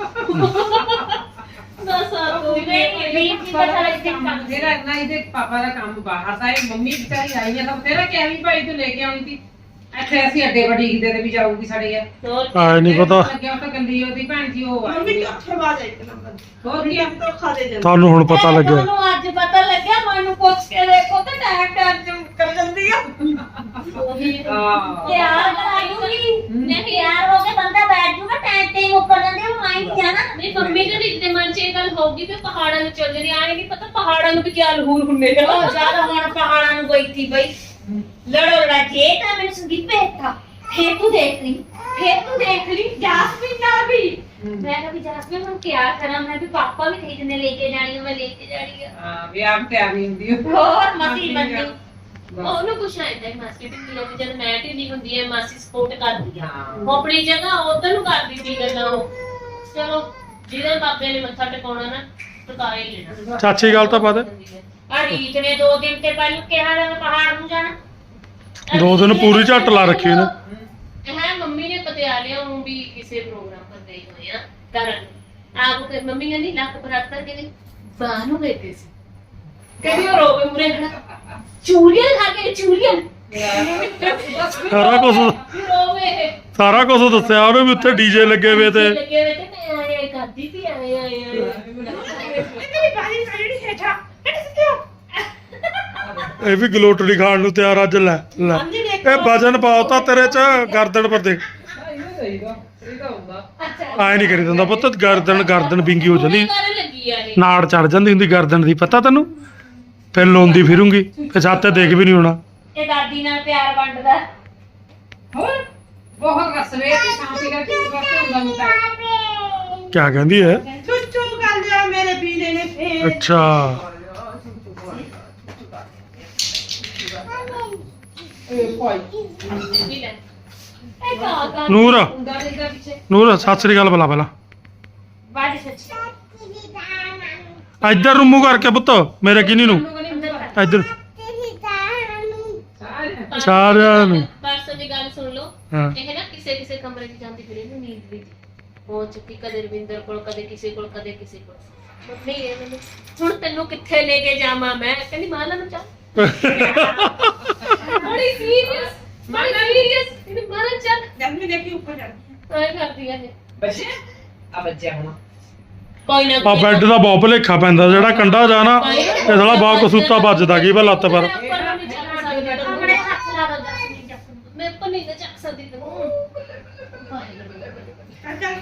Speaker 2: ਦੱਸ ਤੂੰ ਵੀ ਪਤਾ ਲੱਗ ਜਾਂਦਾ
Speaker 4: ਤੇਰਾ ਨਾ ਇਹਦੇ ਪਾਪਾ ਦਾ ਕੰਮ ਬਾਹਰ ਦਾ ਹੈ ਮੰਮੀ ਵਿਚਾਰੀ ਆਈ ਹੈ ਤਾਂ ਤੇਰਾ ਕਿਹਾ ਵੀ ਭਾਈ ਤੂੰ ਲੈ ਕੇ ਆਉਣੀ ਸੀ ਇੱਥੇ ਅਸੀਂ ਅੱਡੇ ਵੱਡੀ ਦੇ ਤੇ ਵੀ ਜਾਊਗੀ ਸਾਡੇ ਯਾਰ
Speaker 1: ਆਏ ਨਹੀਂ ਪਤਾ
Speaker 4: ਲੱਗਿਆ ਉਹ ਤਾਂ ਗੰਦੀ ਉਹਦੀ ਭੈਣ ਜੀ ਉਹ
Speaker 3: ਮੰਮੀ
Speaker 4: ਆਈ
Speaker 3: ਕਿੱਥੇ ਬਾਜ ਇੱਕ ਨੰਬਰ
Speaker 4: ਹੋਰ ਕੀ ਆ?
Speaker 3: ਤੋਂ ਖਾ ਦੇ ਜਾਂਦੇ
Speaker 1: ਤੁਹਾਨੂੰ ਹੁਣ ਪਤਾ ਲੱਗਿਆ
Speaker 2: ਤੁਹਾਨੂੰ ਅੱਜ ਪਤਾ ਲੱਗਿਆ ਮੈਨੂੰ ਪੁੱਛ ਕੇ ਦੇਖੋ ਤਾਂ ਟੈਗ ਕਰ ਜਾਂਦੀ ਆ
Speaker 4: ਹਾਂ
Speaker 2: ਤਿਆਰ ਕਰਾਇਓਗੀ ਨਹੀਂ ਤਿਆਰ ਹੋ ਕੇ ਬੰਦਾ ਬੈਠ ਜੂਗਾ ਟੈਂਟ ਤੇ ਮੁੱਕਰ ਜਾਂਦੇ ਉਹ ਆਈ ਨਹੀਂ ਜਾਣਾ ਨਹੀਂ ਮੰਮੀ ਦੇ ਦਿਲ ਦੇ ਮਨ 'ਚ ਇਹ ਗੱਲ ਹੋਊਗੀ ਕਿ ਪਹਾੜਾਂ ਨੂੰ ਚੱਲ ਜਣੀ ਆਏ ਨਹੀਂ ਪਤਾ ਪਹਾੜਾਂ ਨੂੰ ਵੀ ਕੀ ਲਹੂਰ ਹੁੰਦੇ ਆ ਉਹ ਜ਼ਿਆਦਾ ਹੁਣ ਪਹਾੜਾਂ ਨੂੰ ਗਈ ਥੀ ਬਈ ਲੜੋ ਲੜਾਜੇ ਤਾਂ ਮੈਨੂੰ ਸੰਦੀਪ ਭੇਜਤਾ ਫੇਰ ਤੂੰ ਦੇਖ ਲਈ ਜਾਸਮੀਨ ਨਾਲ ਵੀ ਮੈਂ ਕਿਹਾ ਵੀ ਜਾਸਮੀਨ ਹੁਣ ਕੀ ਕਰਾਂ ਮੈਂ ਵੀ ਪਾਪਾ ਵੀ ਕਹੀ ਜਨੇ ਲੈ ਕੇ ਜਾਣੀ ਆ ਮੈਂ ਲੈ ਕੇ ਜਾਣੀ ਆ
Speaker 4: ਹਾਂ ਵੀ ਆਪ ਤਿਆਰ ਨਹੀਂ ਹੁੰਦੀ ਉਹ।
Speaker 2: ਹੋਰ ਮਸੀ ਬੰਦੀ ਉਹਨੂੰ ਕੁਛ ਆਇਦਾ ਹੈ ਮਾਸੀ ਢਿੱਲੀ ਆ ਵੀ ਜਦ ਮੈਂ ਢਿੱਲੀ ਹੁੰਦੀ ਹੈ ਮਾਸੀ ਸਪੋਰਟ ਕਰਦੀ ਆ ਉਹ ਆਪਣੀ ਜਗ੍ਹਾ ਉਧਰ ਨੂੰ ਕਰਦੀ ਸੀ ਗੱਲਾਂ ਉਹ ਚਲੋ ਜਿਹਦੇ ਬਾਬੇ ਨੇ ਮੱਥਾ ਟਿਕਾਉਣਾ ਨਾ ਟਿਕਾ ਹੀ ਲੈਣਾ
Speaker 1: ਚਾਚੀ ਗੱਲ ਤਾਂ ਪਤਾ
Speaker 2: ਆ ਰੀਤ ਨੇ 2 ਦਿਨ ਤੇ ਪਹਿਲਾਂ ਕਿਹਾ ਨਾ ਪਹਾੜ ਨੂੰ ਜਾਣਾ
Speaker 1: 2 ਦਿਨ ਪੂਰੀ ਝੱਟ ਲਾ ਰੱਖੀ ਨੇ
Speaker 2: ਹੈ ਮੰਮੀ ਨੇ ਪਟਿਆਲੇ ਨੂੰ ਵੀ ਕਿਸੇ ਪ੍ਰੋਗਰਾਮ ਪਰ ਗਈ ਹੋਈ ਆ ਕਰਨ ਆਪ ਕੇ ਮੰਮੀ ਕਹਿੰਦੀ ਲੱਕ ਬਰਾਤਰ ਕੇ ਬਾਹਰ ਨੂੰ ਗਏ ਸੀ ਕਹਿੰਦੀ ਉਹ ਰੋਵੇ ਮੁਰੇ ਖੜਾ ਚੂੜੀਆਂ ਖਾ ਕੇ ਚੂੜੀਆਂ
Speaker 1: ਸਾਰਾ ਕੁਝ ਦੱਸਿਆ ਉਹਨੇ ਵੀ ਉੱਥੇ ਡੀਜੇ ਲੱਗੇ ਹੋਏ ਤੇ
Speaker 2: ਲੱਗੇ ਹੋਏ ਤੇ ਮੈਂ ਆਏ ਕਰਦੀ ਸੀ ਆਏ
Speaker 3: ਤੇਰੀ ਬਾਜੀ ਜਿਹੜੀ ਹੇਠਾ
Speaker 1: ਇਹ ਵੀ ਗਲੋਟੜੀ ਖਾਣ ਨੂੰ ਤਿਆਰ ਅੱਜ ਲੈ ਇਹ ਵਜਨ ਪਾਉਤਾ ਤੇਰੇ ਚ ਗਰਦਨ ਪਰ ਦੇਖ
Speaker 4: ਇਹਦਾ ਹੁੰਦਾ
Speaker 2: ਅੱਛਾ
Speaker 1: ਆਏ ਨਹੀਂ ਕਰੀ ਦਿੰਦਾ ਪੁੱਤ ਗਰਦਨ ਵਿੰਗੀ ਹੋ ਜਾਂਦੀ
Speaker 2: ਕਰਨ ਲੱਗੀ ਆ ਇਹ
Speaker 1: ਨਾੜ ਚੜ ਜਾਂਦੀ ਹੁੰਦੀ ਗਰਦਨ ਦੀ ਪਤਾ ਤੈਨੂੰ ਫਿਰ ਲੋਂਦੀ ਫਿਰੂੰਗੀ ਫਿਰ ਛੱਤ ਤੇ ਦੇਖ ਵੀ ਨਹੀਂ ਹੋਣਾ
Speaker 2: ਇਹ ਦਾਦੀ ਨਾਲ ਪਿਆਰ ਵੰਡਦਾ
Speaker 4: ਹੋਰ ਬਹੁਤ ਰਸਵੇ ਤੇ ਸ਼ਾਂਤੀ ਕਰਕੇ ਵਾਸਤੇ ਹੁੰਦਾ ਮੁੰਡਾ
Speaker 1: ਕਿਆ ਕਹਿੰਦੀ ਹੈ
Speaker 3: ਚੁੱਚੂ ਕਰ ਲਿਆ ਮੇਰੇ ਬੀਲੇ ਨੇ ਫੇਰ
Speaker 1: ਅੱਛਾ
Speaker 4: ਇਹ ਭਾਈ
Speaker 2: ਵੀ ਲੈ ਇਹ ਕਾ
Speaker 1: ਨੂਰ
Speaker 2: ਹੁੰਦਾ ਇਹਦਾ ਪਿੱਛੇ
Speaker 1: ਨੂਰ ਸਤਿ ਸ੍ਰੀ ਅਕਾਲ ਬੁਲਾ ਪਹਿਲਾਂ
Speaker 2: ਬਾਜੀ ਸੱਚ
Speaker 1: ਇੱਧਰ ਨੂੰ ਮੂੰਹ ਕਰਕੇ ਪੁੱਤ ਮੇਰੇ ਕਿਨੀ ਨੂੰ ਇੱਧਰ ਸਾਰਿਆਂ ਨੂੰ
Speaker 2: ਪਰਸੋਂ ਦੀ ਗੱਲ ਸੁਣ ਲਓ
Speaker 1: ਹਾਂ
Speaker 2: ਇਹ ਨਾ ਕਿਸੇ ਕਮਰੇ 'ਚ ਜਾਂਦੀ ਫਿਰੇ ਨੂੰ ਨੀਂਦ ਵੀ ਹੋ ਚੁੱਕੀ ਕਦੇ ਰਵਿੰਦਰ ਕੋਲ ਕਦੇ ਕਿਸੇ ਕੋਲ ਮੰਮੀ ਇਹ ਮੈਨੂੰ ਹੁਣ ਤੈਨੂੰ ਕਿੱਥੇ ਲੈ ਕੇ ਜਾਵਾਂ ਮੈਂ ਕਹਿੰਦੀ ਮਾਲਾ ਨੂੰ ਚੱਲ ਬੜੀ ਸੀਰੀਅਸ ਇਹਨੂੰ ਮਾਲਾ ਚੱਲ
Speaker 3: ਜੰਮੀ ਦੇਖੀ ਉੱਪਰ ਚੜ
Speaker 2: ਆਏ ਕਰਦੀਆਂ ਨੇ
Speaker 4: ਬੱਚੇ ਆ ਬੱਚਿਆ ਹੁਣ
Speaker 2: ਕੋਈ ਨਾ
Speaker 1: ਆ ਬੈੱਡ ਦਾ ਬਹੁਤ ਭੁਲੇਖਾ ਪੈਂਦਾ ਜਿਹੜਾ ਕੰਡਾ ਜਾਣਾ ਇਹ ਸਾਲਾ ਬਾਹ ਕਸੂਤਾ ਵੱਜਦਾ ਕੀ ਵਾ ਲੱਤ ਪਰ
Speaker 2: ਆਪਣੇ ਹੱਥ ਲਾ ਦੋ ਮੈਂ ਪਨੀ ਤੇ ਚੱਕ ਸਕਦੀ ਤੈਨੂੰ
Speaker 3: ਚੱਲ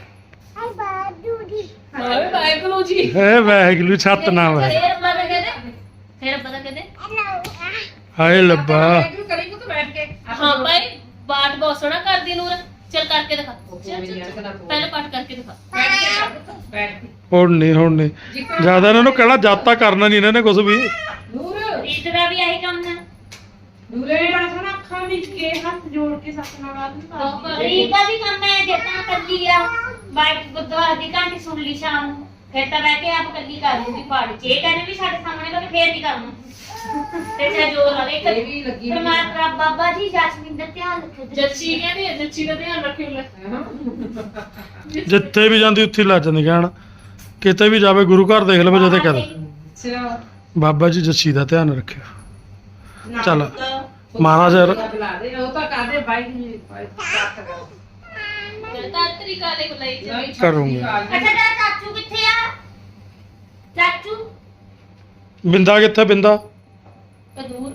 Speaker 2: ਹਾਏ ਵਾਹਿਗੁਰੂ ਜੀ
Speaker 1: ਇਹ ਵਾਹਿਗੁਰੂ ਛੱਤ ਨਾ ਵਾ
Speaker 2: ਫੇਰ ਪਤਾ ਕਹਿੰਦੇ
Speaker 1: ਹਾਏ ਲੱਭਾ
Speaker 4: ਤੂੰ ਕਰੇਂਗੇ ਤੂੰ ਬੈਠ ਕੇ
Speaker 2: ਹਾਂ ਭਾਈ ਬਾਤ ਬਹੁਤ ਸੋਹਣਾ ਕਰਦੀ ਨੂਰ ਚੱਲ ਕਰਕੇ ਦਿਖਾ ਪਹਿਲਾਂ ਪਾਠ ਕਰਕੇ ਦਿਖਾ
Speaker 4: ਬੈਠ ਕੇ
Speaker 1: ਹੁਣ ਨਹੀਂ ਜਿਆਦਾ ਇਹਨਾਂ ਨੂੰ ਕਹਿਣਾ ਜਾਤਾ ਕਰਨਾ ਨਹੀਂ ਇਹਨਾਂ ਨੇ ਕੁਝ ਵੀ
Speaker 4: ਨੂਰ
Speaker 2: ਰੀਤ ਦਾ ਵੀ ਆਹੀ ਕੰਮ ਹੈ
Speaker 4: ਨੂਰੇ
Speaker 3: ਬੜਾ ਸੋਹਣਾ ਅੱਖਾਂ ਵਿੱਚ ਕੇ ਹੱਥ ਜੋੜ ਕੇ ਸਤਨਾਮ
Speaker 2: ਰੀਤ ਦਾ ਵੀ ਕੰਮ ਹੈ ਜਿੱਦਾਂ ਕੱਲੀ ਆ ਬਾਈਕ ਗੁਰਦੁਆਰੇ ਦੀ ਕਹਾਣੀ ਸੁਣ ਲਈ ਸ਼ਾਮ ਨੂੰ ਫਿਰ ਤਾਂ ਬਹਿ ਕੇ ਆਪ ਕੱਲੀ ਕਰ ਲੂਗੀ ਪਾਠ ਜੇ ਕਹਿੰਦੇ ਵੀ ਸਾਡੇ ਸਾਹਮਣੇ ਤਾਂ ਫੇਰ ਨਹੀਂ ਕਰਨਾ ਤੇ ਜੇ ਜੋਰ ਲਾਵੇ
Speaker 4: ਇਹ ਵੀ ਲੱਗੀ ਹੋਈ
Speaker 2: ਪਰਮਾਤਮਾ ਬਾਬਾ ਜੀ ਜਸਮੀਨ ਦਾ ਧਿਆਨ ਰੱਖੋ ਜੱਚੀ ਕਹਿੰਦੇ ਜੱਚੀ ਦਾ ਧਿਆਨ ਰੱਖਿਓ ਲੈ
Speaker 1: ਜਿੱਥੇ ਵੀ ਜਾਂਦੀ ਉੱਥੇ ਹੀ ਲੱਜ ਜਾਂਦੀ ਕਹਿਣ ਕਿਤੇ ਵੀ ਜਾਵੇ ਗੁਰੂ ਘਰ ਦੇਖ ਲਵੇ ਜਦੇ ਕਹਦਾ
Speaker 4: ਸਿਰਾ
Speaker 1: ਬਾਬਾ ਜੀ ਜੱਸੀ ਦਾ ਧਿਆਨ ਰੱਖਿਓ ਚੱਲ ਮਹਾਰਾਜ
Speaker 4: ਬੁਲਾ ਦੇ ਉਹ ਤਾਂ ਕਰਦੇ ਬਾਈ ਜੀ ਬਾਤ ਕਰੋ
Speaker 2: ਤਾਤਰੀ ਕਾਲੇ ਬੁਲਾਈ ਜੀ
Speaker 1: ਕਰੂੰਗੇ।
Speaker 2: ਅੱਛਾ ਤੇਰਾ ਚਾਚੂ ਕਿੱਥੇ ਆ ਚਾਚੂ
Speaker 1: ਬਿੰਦਾ ਕਿੱਥੇ ਬਿੰਦਾ
Speaker 2: ਤੇ ਦੂਰ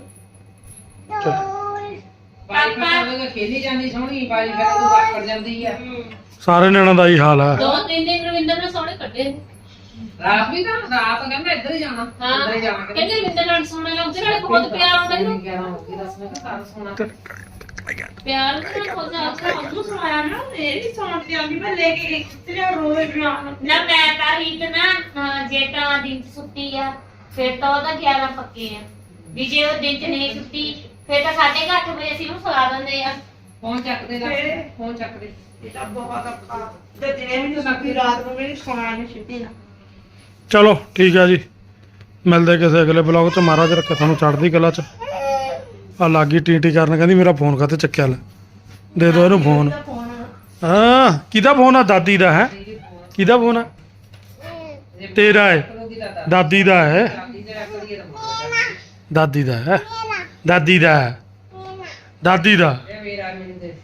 Speaker 4: ਬਾਈ ਫਿਰ ਖੇਲੀ ਜਾਂਦੀ ਸੋਹਣੀ ਬਾਈ ਫਿਰ ਤੂੰ ਵਾਪਰ ਜਾਂਦੀ ਆ
Speaker 1: ਸਾਰੇ ਨਿਆਣਿਆਂ ਦਾ ਹੀ ਹਾਲ ਹੈ।
Speaker 2: 2-3 ਦਿਨ ਰਵਿੰਦਰ ਨੇ ਸੋਹਣੇ ਕੱਢੇ
Speaker 4: ਰਾਤ ਵੀ ਤਾਂ ਰਾਤ ਕਹਿੰਦਾ ਇੱਧਰ ਹੀ ਜਾਣਾ
Speaker 2: ਹਾਂ
Speaker 4: ਇੱਧਰ ਹੀ ਜਾਣਾ
Speaker 2: ਕਹਿੰਦੇ ਰਵਿੰਦਰ ਨਾਲ ਸੋਹਣੇ ਲੱਗਦੇ ਨਾਲੇ ਬਹੁਤ ਪਿਆਰ ਹੁੰਦਾ ਇਹਨੂੰ
Speaker 4: ਦੱਸ ਮੈਂ ਕਿਹਾ ਸਾਰਾ ਸੋਹਣਾ
Speaker 2: ਪਿਆਰ ਨਾਲ ਖੁਦ ਉਹਨੂੰ ਸੁਣਾਇਆ ਨਾ ਇਹ ਵੀ ਸੁਣ ਤੇ ਆਉਂਦੀ ਮੈਂ ਲੈ ਕੇ ਗਈ ਤੇ ਰੋਵੇ ਨਾ ਮੈਂ ਤਾਂ ਰੀਤ ਨਾ ਜੇ ਤਾਂ ਦਿਨ 'ਚ ਸੁੱਤੀ ਆ ਫਿਰ ਤਾਂ ਉਹਦਾ 11 ਪੱਕੇ ਆ ਵੀ ਜੇ ਉਹ ਦਿਨ 'ਚ ਨਹੀਂ ਸੁੱਤੀ ਫਿਰ ਤਾਂ 8:30 ਵਜੇ ਅਸੀਂ ਉਹਨੂੰ ਸੁਲਾ ਦਿੰਦੇ ਆ
Speaker 4: ਫੋਨ ਚੱਕਦੇ ਜਾ ਫੋਨ ਚੱਕਦੇ
Speaker 1: ਚਲੋ ਠੀਕ ਹੈ ਜੀ, ਮਿਲਦੇ ਕਿਸੇ ਅਗਲੇ ਬਲੌਗ 'ਚ। ਮਹਾਰਾਜ ਰੱਖੇ ਤੁਹਾਨੂੰ ਚੜ੍ਹਦੀ ਕਲਾ 'ਚ। ਆ ਲੱਗੀ ਟੀ ਕਰਨ, ਕਹਿੰਦੀ ਮੇਰਾ ਫੋਨ ਕਾਹਤੇ ਚੱਕਿਆ ਲੈ, ਦੇ ਦਿਓ ਇਹਨੂੰ ਫੋਨ। ਹਾਂ ਕਿਹਦਾ ਫੋਨ ਆ? ਦਾਦੀ ਦਾ ਹੈ। ਕਿਹਦਾ ਫੋਨ ਆ? ਤੇਰਾ ਹੈ? ਦਾਦੀ ਦਾ ਹੈ? ਦਾਦੀ ਦਾ ਹੈ? ਦਾਦੀ ਦਾ ਹੈ? ਦਾਦੀ ਦਾ
Speaker 4: ਇਹ ਮੇਰਾ ਮੈਨੂੰ ਦੇ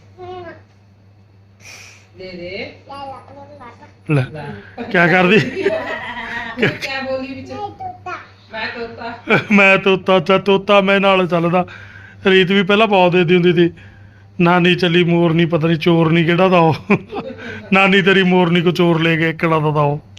Speaker 4: ਦੇ
Speaker 1: ਲੈ ਕਿਆ ਕਰਦੀ?
Speaker 4: ਕਿਆ ਬੋਲੀ ਵਿੱਚ ਮੈਂ ਤੋਤਾ
Speaker 1: ਮੈਂ ਤੋਤਾ ਮੈਂ ਨਾਲ ਚੱਲਦਾ। ਰੀਤ ਵੀ ਪਹਿਲਾਂ ਬਹੁਤ ਦੇਦੀ ਹੁੰਦੀ ਸੀ, ਨਾਨੀ ਚੱਲੀ ਮੋਰਨੀ, ਪਤਾ ਨਹੀਂ ਚੋਰ ਨਹੀਂ ਕਿਹੜਾ ਦਾ ਉਹ ਨਾਨੀ ਤੇਰੀ ਮੋਰਨੀ ਕੋ ਚੋਰ ਲੈ ਕੇ ਕਿਹੜਾ ਦਾ ਉਹ